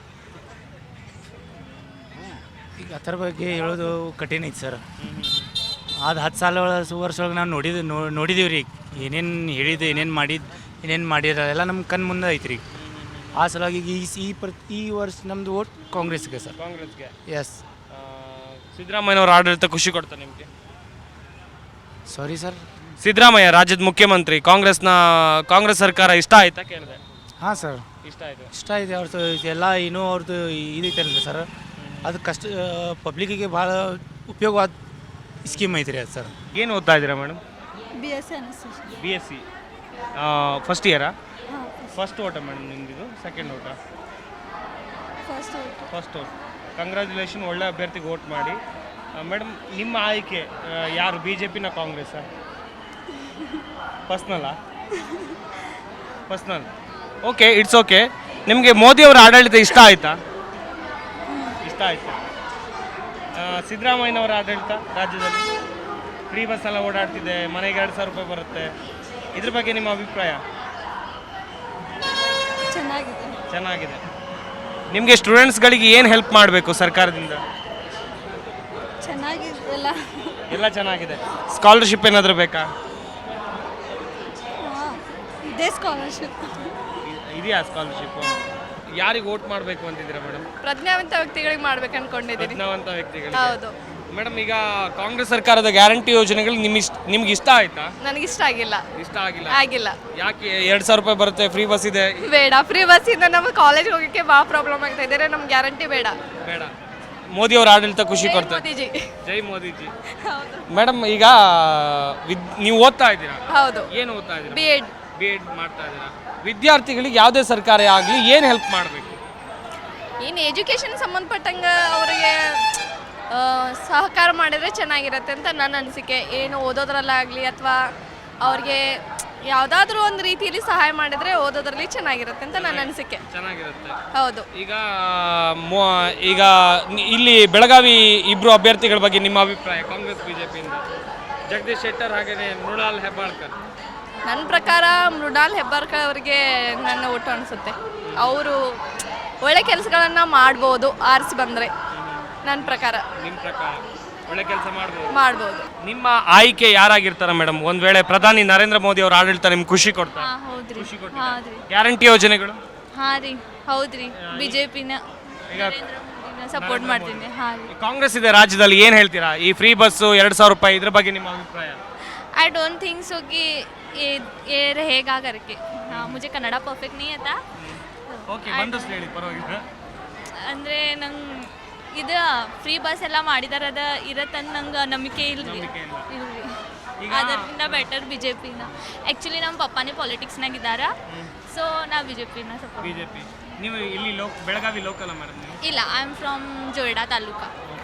Speaker 13: ಈಗ ಅದರ ಬಗ್ಗೆ ಹೇಳೋದು ಕಠಿಣ ಐತಿ ಸರ್. ಅದು 10 ವರ್ಷ ಒಳಗೆ ನಾವು ನೋಡಿದೀವಿ ರೀ, ಏನೇನು ಹೇಳಿದ್ದು, ಏನೇನು ಮಾಡಿರ ಎಲ್ಲ ನಮ್ಮ ಕಣ್ಣು ಮುಂದೆ ಐತಿ ರೀ. ಆ ಸಲುವಾಗಿ ಈ ವರ್ಷ ನಮ್ಮದು ವೋಟ್ ಕಾಂಗ್ರೆಸ್ಗೆ ಸರ್.
Speaker 1: ಕಾಂಗ್ರೆಸ್ಗೆ.
Speaker 13: ಎಸ್.
Speaker 1: ಸಿದ್ದರಾಮಯ್ಯನವ್ರ ಆಡಳಿತ ಖುಷಿ ಕೊಡ್ತಾರೆ ನಿಮಗೆ?
Speaker 13: Sorry sir.
Speaker 1: ಸಿದ್ದರಾಮಯ್ಯ ರಾಜ್ಯದ ಮುಖ್ಯಮಂತ್ರಿ, ಕಾಂಗ್ರೆಸ್ ಸರ್ಕಾರ ಇಷ್ಟ ಆಯ್ತಾ ಕೇಳಿದೆ?
Speaker 13: ಹಾಂ ಸರ್,
Speaker 1: ಇಷ್ಟ
Speaker 13: ಇದೆ. ಅವ್ರದ್ದು ಎಲ್ಲ ಇನ್ನೂ ಅವ್ರದ್ದು ಇದೈತಲ್ಲ ಸರ್, ಅದು ಪಬ್ಲಿಕ್ಕಿಗೆ ಭಾಳ ಉಪಯೋಗವಾದ ಸ್ಕೀಮ್ ಐತ್ರಿ ಅದು ಸರ್.
Speaker 1: ಏನು ಓದ್ತಾ ಇದ್ದೀರಾ ಮೇಡಮ್? BSc ಫಸ್ಟ್ ಇಯರಾ? ಫಸ್ಟ್ ಓಟ ಮೇಡಮ್ ನಿಮ್ದಿದು? ಸೆಕೆಂಡ್ ಓಟ? First vote. ಕಂಗ್ರ್ಯಾಚುಲೇಷನ್, ಒಳ್ಳೆ ಅಭ್ಯರ್ಥಿಗೆ ವೋಟ್ ಮಾಡಿ. ಮೇಡಮ್ ನಿಮ್ಮ ಆಯ್ಕೆ ಯಾರು, BJPನ ಕಾಂಗ್ರೆಸ್ಸಾ? ಪರ್ಸ್ನಲ್. Okay, it's okay. ನಿಮಗೆ ಮೋದಿಯವರ ಆಡಳಿತ ಇಷ್ಟ ಆಯ್ತಾ? ಇಷ್ಟ ಆಯ್ತು. ಸಿದ್ದರಾಮಯ್ಯನವರ ಆಡಳಿತ ರಾಜ್ಯದಲ್ಲಿ ಫ್ರೀ ಬಸ್ ಎಲ್ಲ ಓಡಾಡ್ತಿದೆ, ಮನೆಗೆ 2,000 ರೂಪಾಯಿ ಬರುತ್ತೆ, ಇದ್ರ ಬಗ್ಗೆ ನಿಮ್ಮ ಅಭಿಪ್ರಾಯ? ಚೆನ್ನಾಗಿದೆ. ನಿಮಗೆ ಸ್ಟೂಡೆಂಟ್ಸ್ಗಳಿಗೆ ಏನು ಹೆಲ್ಪ್ ಮಾಡಬೇಕು ಸರ್ಕಾರದಿಂದ? ಎಲ್ಲ ಚೆನ್ನಾಗಿದೆ. ಸ್ಕಾಲರ್ಶಿಪ್ ಏನಾದರೂ ಬೇಕಾ? ಇದೆಯಾ ಸ್ಕಾಲರ್ಶಿಪ್? ಯಾರಿಗೆ ವೋಟ್ ಮಾಡಬೇಕು ಅಂತಿದ್ದೀರಾ ಮೇಡಮ್?
Speaker 6: ಪ್ರಜ್ಞಾವಂತ ವ್ಯಕ್ತಿಗಳಿಗೆ ಮಾಡ್ಬೇಕು ಅನ್ಕೊಂಡಿದ್ದೀನಿ.
Speaker 1: ಪ್ರಜ್ಞಾವಂತ ವ್ಯಕ್ತಿಗಳಿಗೆ.
Speaker 6: ಹೌದು
Speaker 1: ಮೇಡಮ್, ಈಗ ಕಾಂಗ್ರೆಸ್ ಸರ್ಕಾರದ ಗ್ಯಾರಂಟಿ ಯೋಜನೆಗಳು ನಿಮ್ಗೆ ಇಷ್ಟ ಆಯ್ತಾ?
Speaker 6: ನನಗೆ ಇಷ್ಟ ಆಗಿಲ್ಲ.
Speaker 1: ಯಾಕೆ? 2,000 ರೂಪಾಯಿ ಬರುತ್ತೆ, ಫ್ರೀ ಬಸ್ ಇದೆ.
Speaker 6: ಬೇಡ, ಫ್ರೀ ಬಸ್ಸಿಂದ ನಮ್ಮ ಕಾಲೇಜ್ ಹೋಗೋಕ್ಕೆ ಭಾಳ ಪ್ರಾಬ್ಲಮ್ ಆಗ್ತಾ ಇದೆ. ನಮ್ಗೆ ಗ್ಯಾರಂಟಿ ಬೇಡ.
Speaker 1: ಮೋದಿ ಅವರ ಆಡಳಿತ ಖುಷಿ ಕೊಡ್ತಾರೆ. ಜೈ ಮೋದಿಜಿ. ಮೇಡಮ್, ಈಗ ನೀವು ಓದ್ತಾ ಇದ್ದೀರಾ?
Speaker 6: ಹೌದು.
Speaker 1: ಏನು ಓದ್ತಾ ಇದ್ದೀರಾ?
Speaker 6: B.Ed
Speaker 1: ಮಾಡ್ತಾ ಇದ್ದೀರಾ. ವಿದ್ಯಾರ್ಥಿಗಳಿಗೆ ಯಾವುದೇ ಸರ್ಕಾರ ಆಗಲಿ ಏನು ಹೆಲ್ಪ್ ಮಾಡಬೇಕು?
Speaker 6: ಏನು ಎಜುಕೇಷನ್ ಸಂಬಂಧಪಟ್ಟಂಗೆ ಅವರಿಗೆ ಸಹಕಾರ ಮಾಡಿದರೆ ಚೆನ್ನಾಗಿರುತ್ತೆ ಅಂತ ನನ್ನ ಅನಿಸಿಕೆ. ಏನು ಓದೋದ್ರಲ್ಲಾಗಲಿ ಅಥವಾ ಅವ್ರಿಗೆ ಯಾವುದಾದ್ರೂ ಒಂದು ರೀತಿಯಲ್ಲಿ ಸಹಾಯ ಮಾಡಿದರೆ ಓದೋದ್ರಲ್ಲಿ ಚೆನ್ನಾಗಿರುತ್ತೆ ಅಂತ ನನ್ನ ಅನಿಸಿಕೆ.
Speaker 1: ಚೆನ್ನಾಗಿರುತ್ತೆ.
Speaker 6: ಹೌದು.
Speaker 1: ಈಗ ಇಲ್ಲಿ ಬೆಳಗಾವಿ ಇಬ್ಬರು ಅಭ್ಯರ್ಥಿಗಳ ಬಗ್ಗೆ ನಿಮ್ಮ ಅಭಿಪ್ರಾಯ? ಕಾಂಗ್ರೆಸ್ BJPಯಿಂದ ಜಗದೀಶ್ ಶೆಟ್ಟರ್ ಹಾಗೆಯೇ ಮೃಣಾಲ್ ಹೆಬ್ಬಾಳ್ಕರ್.
Speaker 6: ನನ್ನ ಪ್ರಕಾರ ಮೃಣಾಲ್ ಹೆಬ್ಬಾಳ್ಕರ್ ಅವರಿಗೆ ನನ್ನ ಓಟು ಅನಿಸುತ್ತೆ. ಅವರು ಒಳ್ಳೆ ಕೆಲಸಗಳನ್ನು ಮಾಡ್ಬೋದು ಆರಿಸಿ ಬಂದರೆ, ನನ್ನ ಪ್ರಕಾರ.
Speaker 1: ನಿಮ್ಮ ಪ್ರಕಾರ? ಒಳ್ಳೆ ಕೆಲಸ ಮಾಡ್ಬೋದು.
Speaker 6: ಮಾಡ್ಬೋದು.
Speaker 1: ನಿಮ್ಮ ಆಯ್ಕೆ ಯಾರಾಗಿರ್ತಾರ ಮೇಡಮ್? ಒಂದ್ ವೇಳೆ ಪ್ರಧಾನಿ ನರೇಂದ್ರ ಮೋದಿ ಅವ್ರ ಆಡಳಿತ ನಿಮ್ಗೆ ಖುಷಿ ಕೊಡ್ತಾ?
Speaker 6: ಹೌದ್ರಿ.
Speaker 1: ಗ್ಯಾರಂಟಿ ಯೋಜನೆಗಳು?
Speaker 6: ಹಾಂ ರೀ, ಹೌದ್ರಿ. ಬಿಜೆಪಿನ
Speaker 1: ಈಗ
Speaker 6: ಸಪೋರ್ಟ್ ಮಾಡ್ತೀನಿ. ಹಾಂ ರೀ.
Speaker 1: ಕಾಂಗ್ರೆಸ್ ಇದೆ ರಾಜ್ಯದಲ್ಲಿ, ಏನ್ ಹೇಳ್ತೀರಾ ಈ ಫ್ರೀ ಬಸ್ 2,000 ರೂಪಾಯಿ ಇದ್ರ ಬಗ್ಗೆ ನಿಮ್ಮ ಅಭಿಪ್ರಾಯ?
Speaker 6: आई डोंट थिंक सो कि ये रहेगा करके. हाँ, मुझे कन्नड़ परफेक्ट नहीं आता.
Speaker 1: ಓಕೆ, ಬಂದಷ್ಟು ಹೇಳಿ ಪರವಾಗಿಲ್ಲ.
Speaker 6: ಅಂದರೆ ನಂಗೆ ಇದು ಫ್ರೀ ಬಸ್ ಎಲ್ಲ ಮಾಡಿದಾರೆ, ಅದು ಇರತ್ತಂದು ನಂಗೆ ನಂಬಿಕೆ ಇಲ್ರಿ. ಅದರಿಂದ ಬೆಟರ್ ಬಿಜೆಪಿನ. ಆ್ಯಕ್ಚುಲಿ ನಮ್ಮ ಪಪ್ಪಾನೇ ಪಾಲಿಟಿಕ್ಸ್ನಾಗಿದ್ದಾರೆ, ಸೊ ನಾವು ಬಿಜೆಪಿನ ಸಪೋರ್ಟ್.
Speaker 1: ಬಿಜೆಪಿ. ನೀವು ಇಲ್ಲಿ ಬೆಳಗಾವಿ ಲೋಕಲ್ ಮೇಡಮ್?
Speaker 6: ಇಲ್ಲ, I am from Joida taluka.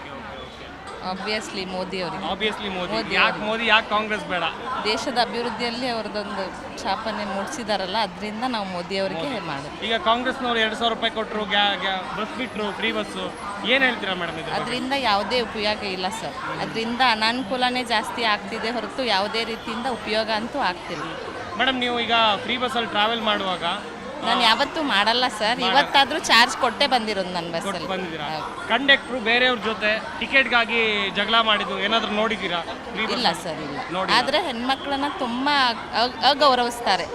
Speaker 12: Obviously Modi ಅವರಿಗೆ.
Speaker 1: ಆಬ್ವಿಯಸ್ಲಿ ಮೋದಿ. ಯಾಕೆ ಮೋದಿ, ಯಾಕೆ ಕಾಂಗ್ರೆಸ್ ಬೇಡ?
Speaker 12: ದೇಶದ ಅಭಿವೃದ್ಧಿಯಲ್ಲಿ ಅವ್ರದ್ದೊಂದು ಛಾಪನೆ ಮೂಡಿಸಿದಾರಲ್ಲ, ಅದರಿಂದ ನಾವು ಮೋದಿ ಅವರಿಗೆ ಮಾಡೋದು.
Speaker 1: ಈಗ ಕಾಂಗ್ರೆಸ್ನವ್ರು 2,000 ರೂಪಾಯಿ ಕೊಟ್ಟರು, ಬಸ್ ಬಿಟ್ಟರು, ಫ್ರೀ ಬಸ್ಸು, ಏನು ಹೇಳ್ತೀರಾ ಮೇಡಮ್ ಇದು?
Speaker 12: ಅದರಿಂದ ಯಾವುದೇ ಉಪಯೋಗ ಇಲ್ಲ ಸರ್. ಅದರಿಂದ ಅನಾನುಕೂಲನೇ ಜಾಸ್ತಿ ಆಗ್ತಿದೆ ಹೊರತು ಯಾವುದೇ ರೀತಿಯಿಂದ ಉಪಯೋಗ ಅಂತೂ ಆಗ್ತಿಲ್ಲ.
Speaker 1: ಮೇಡಮ್, ನೀವು ಈಗ ಫ್ರೀ ಬಸ್ಸಲ್ಲಿ ಟ್ರಾವೆಲ್ ಮಾಡುವಾಗ?
Speaker 12: ನಾನು ಯಾವತ್ತೂ ಮಾಡಲ್ಲ ಸರ್, ಇವತ್ತಾದರೂ ಚಾರ್ಜ್ ಕೊಟ್ಟೆ ಬಂದಿರೋದು ನನ್ನ ಬಸ್ಸಲ್ಲಿ.
Speaker 1: ಬಂದಿದ್ದೀರಾ? ಕಂಡಕ್ಟ್ರು ಬೇರೆಯವ್ರ ಜೊತೆ ಟಿಕೆಟ್ಗಾಗಿ ಜಗಳ ಮಾಡಿದ್ದು ಏನಾದರೂ ನೋಡಿದ್ದೀರಾ?
Speaker 12: ಇಲ್ಲ ಸರ್, ಇಲ್ಲ. ಆದರೆ ಹೆಣ್ಮಕ್ಳನ್ನ ತುಂಬ ಅಗೌರವಿಸ್ತಾರೆ,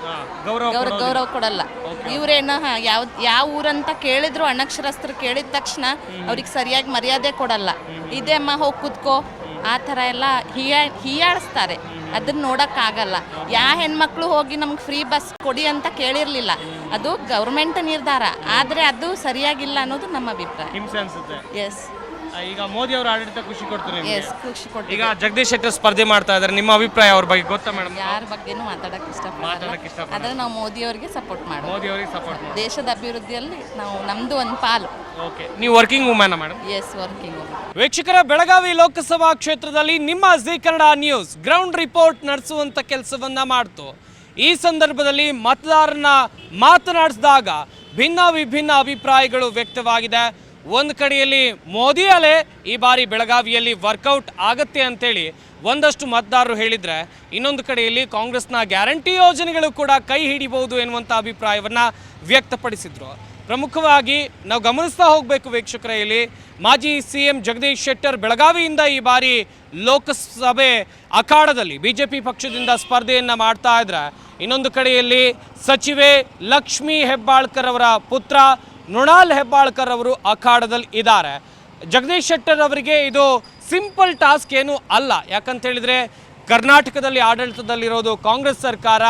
Speaker 12: ಗೌರವ ಕೊಡಲ್ಲ. ಇವರೇನ ಯಾವ ಊರಂತ ಕೇಳಿದ್ರು, ಅನಕ್ಷರಸ್ಥರು ಕೇಳಿದ ತಕ್ಷಣ ಅವ್ರಿಗೆ ಸರಿಯಾಗಿ ಮರ್ಯಾದೆ ಕೊಡಲ್ಲ. ಇದೇ ಅಮ್ಮ ಹೋಗಿ ಕೂತ್ಕೋ, ಆ ಥರ ಎಲ್ಲ ಹೀಯಾಳಿಸ್ತಾರೆ. ಅದನ್ನ ನೋಡೋಕ್ಕಾಗಲ್ಲ. ಯಾವ ಹೆಣ್ಮಕ್ಳು ಹೋಗಿ ನಮ್ಗೆ ಫ್ರೀ ಬಸ್ ಕೊಡಿ ಅಂತ ಕೇಳಿರಲಿಲ್ಲ, ಅದು ಗೌರ್ಮೆಂಟ್ ನಿರ್ಧಾರ. ಆದರೆ ಅದು ಸರಿಯಾಗಿಲ್ಲ ಅನ್ನೋದು ನಮ್ಮ ಅಭಿಪ್ರಾಯ.
Speaker 1: ಹಿಂಸೆ ಅನ್ಸುತ್ತೆ.
Speaker 12: ಎಸ್.
Speaker 1: ಈಗ ಮೋದಿ ಅವರ ಆಡಳಿತ ಖುಷಿ ಕೊಡ್ತಾರೆ?
Speaker 12: ಎಸ್, ಖುಷಿ ಕೊಡ್ತೀವಿ.
Speaker 1: ಈಗ ಜಗದೀಶ್ ಶೆಟ್ಟರ್ ಸ್ಪರ್ಧೆ ಮಾಡ್ತಾ ಇದ್ದಾರೆ, ನಿಮ್ಮ ಅಭಿಪ್ರಾಯ ಅವ್ರ ಬಗ್ಗೆ ಗೊತ್ತಾ ಮೇಡಮ್?
Speaker 12: ಯಾರ ಬಗ್ಗೆನೂ ಮಾತಾಡೋಕ್ಕೆ ಇಷ್ಟಪಡಲ್ಲ. ಆದರೆ ನಾವು ಮೋದಿ ಅವರಿಗೆ ಸಪೋರ್ಟ್ ಮಾಡೋದು.
Speaker 1: ಮೋದಿ ಅವರಿಗೆ ಸಪೋರ್ಟ್ ಮಾಡಿ
Speaker 12: ದೇಶದ ಅಭಿವೃದ್ಧಿಯಲ್ಲಿ ನಾವು ನಮ್ಮದು ಒಂದು ಪಾಲು.
Speaker 1: ಓಕೆ, ನೀವು working woman madam?
Speaker 12: Yes, working woman.
Speaker 1: ವೀಕ್ಷಕರ, ಬೆಳಗಾವಿ ಲೋಕಸಭಾ ಕ್ಷೇತ್ರದಲ್ಲಿ ನಿಮ್ಮ Zee Kannada news ground report ನಡೆಸುವಂತ ಕೆಲಸವನ್ನ ಮಾಡ್ತು. ಈ ಸಂದರ್ಭದಲ್ಲಿ ಮತದಾರನ ಮಾತನಾಡಿಸಿದಾಗ ಭಿನ್ನ ವಿಭಿನ್ನ ಅಭಿಪ್ರಾಯಗಳು ವ್ಯಕ್ತವಾಗಿದೆ. ಒಂದು ಕಡೆಯಲ್ಲಿ ಮೋದಿ ಅಲೆ ಈ ಬಾರಿ ಬೆಳಗಾವಿಯಲ್ಲಿ ವರ್ಕೌಟ್ ಆಗತ್ತೆ ಅಂತೇಳಿ ಒಂದಷ್ಟು ಮತದಾರರು ಹೇಳಿದರೆ, ಇನ್ನೊಂದು ಕಡೆಯಲ್ಲಿ ಕಾಂಗ್ರೆಸ್ನ ಗ್ಯಾರಂಟಿ ಯೋಜನೆಗಳು ಕೂಡ ಕೈ ಹಿಡಿಬಹುದು ಎನ್ನುವಂಥ ಅಭಿಪ್ರಾಯವನ್ನು ವ್ಯಕ್ತಪಡಿಸಿದರು. ಪ್ರಮುಖವಾಗಿ ನಾವು ಗಮನಿಸ್ತಾ ಹೋಗಬೇಕು ವೀಕ್ಷಕರ, ಇಲ್ಲಿ ಮಾಜಿ CM ಜಗದೀಶ್ ಶೆಟ್ಟರ್ ಬೆಳಗಾವಿಯಿಂದ ಈ ಬಾರಿ ಲೋಕಸಭೆ ಅಖಾಡದಲ್ಲಿ BJP ಪಕ್ಷದಿಂದ ಸ್ಪರ್ಧೆಯನ್ನು ಮಾಡ್ತಾ ಇದ್ರೆ, ಇನ್ನೊಂದು ಕಡೆಯಲ್ಲಿ ಸಚಿವೆ ಲಕ್ಷ್ಮೀ ಹೆಬ್ಬಾಳ್ಕರ್ ಅವರ ಪುತ್ರ ಮೃಣಾಲ್ ಹೆಬ್ಬಾಳ್ಕರ್ ಅವರು ಅಖಾಡದಲ್ಲಿ ಇದ್ದಾರೆ. ಜಗದೀಶ್ ಶೆಟ್ಟರ್ ಅವರಿಗೆ ಇದು ಸಿಂಪಲ್ ಟಾಸ್ಕ್ ಏನೂ ಅಲ್ಲ. ಯಾಕಂತ ಹೇಳಿದರೆ ಕರ್ನಾಟಕದಲ್ಲಿ ಆಡಳಿತದಲ್ಲಿರೋದು ಕಾಂಗ್ರೆಸ್ ಸರ್ಕಾರ.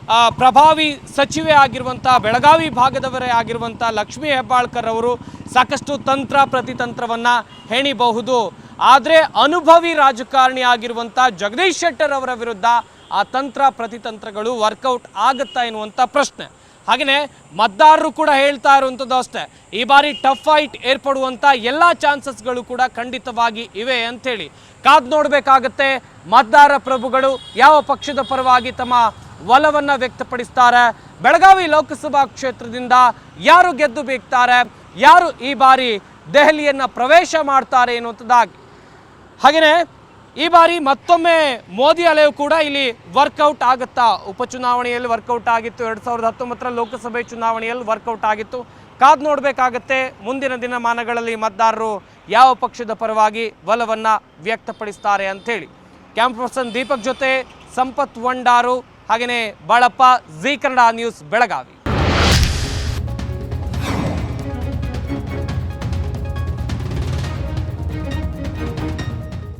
Speaker 1: ಪ್ರಭಾವಿ ಸಚಿವೆ ಆಗಿರುವಂಥ ಬೆಳಗಾವಿ ಭಾಗದವರೇ ಆಗಿರುವಂಥ ಲಕ್ಷ್ಮೀ ಹೆಬ್ಬಾಳ್ಕರ್ ಅವರು ಸಾಕಷ್ಟು ತಂತ್ರ ಪ್ರತಿತಂತ್ರವನ್ನು ಹೆಣಿಬಹುದು. ಆದರೆ ಅನುಭವಿ ರಾಜಕಾರಣಿ ಆಗಿರುವಂಥ ಜಗದೀಶ್ ಶೆಟ್ಟರ್ ಅವರ ವಿರುದ್ಧ ಆ ತಂತ್ರ ಪ್ರತಿತಂತ್ರಗಳು ವರ್ಕೌಟ್ ಆಗುತ್ತಾ ಎನ್ನುವಂಥ ಪ್ರಶ್ನೆ. ಹಾಗೆಯೇ ಮತದಾರರು ಕೂಡ ಹೇಳ್ತಾ ಇರುವಂಥದ್ದು ಅಷ್ಟೇ, ಈ ಬಾರಿ ಟಫ್ ಫೈಟ್ ಏರ್ಪಡುವಂಥ ಎಲ್ಲ ಚಾನ್ಸಸ್ಗಳು ಕೂಡ ಖಂಡಿತವಾಗಿ ಇವೆ ಅಂಥೇಳಿ ಕಾದು ನೋಡಬೇಕಾಗತ್ತೆ. ಮತದಾರ ಪ್ರಭುಗಳು ಯಾವ ಪಕ್ಷದ ಪರವಾಗಿ ತಮ್ಮ ಒಲವನ್ನು ವ್ಯಕ್ತಪಡಿಸ್ತಾರೆ, ಬೆಳಗಾವಿ ಲೋಕಸಭಾ ಕ್ಷೇತ್ರದಿಂದ ಯಾರು ಗೆದ್ದು ಬೀಗ್ತಾರೆ, ಯಾರು ಈ ಬಾರಿ ದೆಹಲಿಯನ್ನು ಪ್ರವೇಶ ಮಾಡ್ತಾರೆ ಎನ್ನುವಂಥದ್ದಾಗಿ. ಹಾಗೆಯೇ ಈ ಬಾರಿ ಮತ್ತೊಮ್ಮೆ ಮೋದಿ ಅಲೆಯು ಕೂಡ ಇಲ್ಲಿ ವರ್ಕೌಟ್ ಆಗುತ್ತಾ? ಉಪಚುನಾವಣೆಯಲ್ಲಿ ವರ್ಕೌಟ್ ಆಗಿತ್ತು, 2019 ಲೋಕಸಭೆ ಚುನಾವಣೆಯಲ್ಲಿ ವರ್ಕೌಟ್ ಆಗಿತ್ತು. ಕಾದು ನೋಡಬೇಕಾಗತ್ತೆ ಮುಂದಿನ ದಿನಮಾನಗಳಲ್ಲಿ ಮತದಾರರು ಯಾವ ಪಕ್ಷದ ಪರವಾಗಿ ಒಲವನ್ನು ವ್ಯಕ್ತಪಡಿಸ್ತಾರೆ ಅಂಥೇಳಿ. ಕ್ಯಾಮ್ರಾ ಪರ್ಸನ್ ದೀಪಕ್ ಜೊತೆ ಸಂಪತ್ ವಂಡಾರು, ಹಾಗೆಯೇ ಬಾಳಪ್ಪ, ಜಿ ಕನ್ನಡ ನ್ಯೂಸ್ ಬೆಳಗಾವಿ.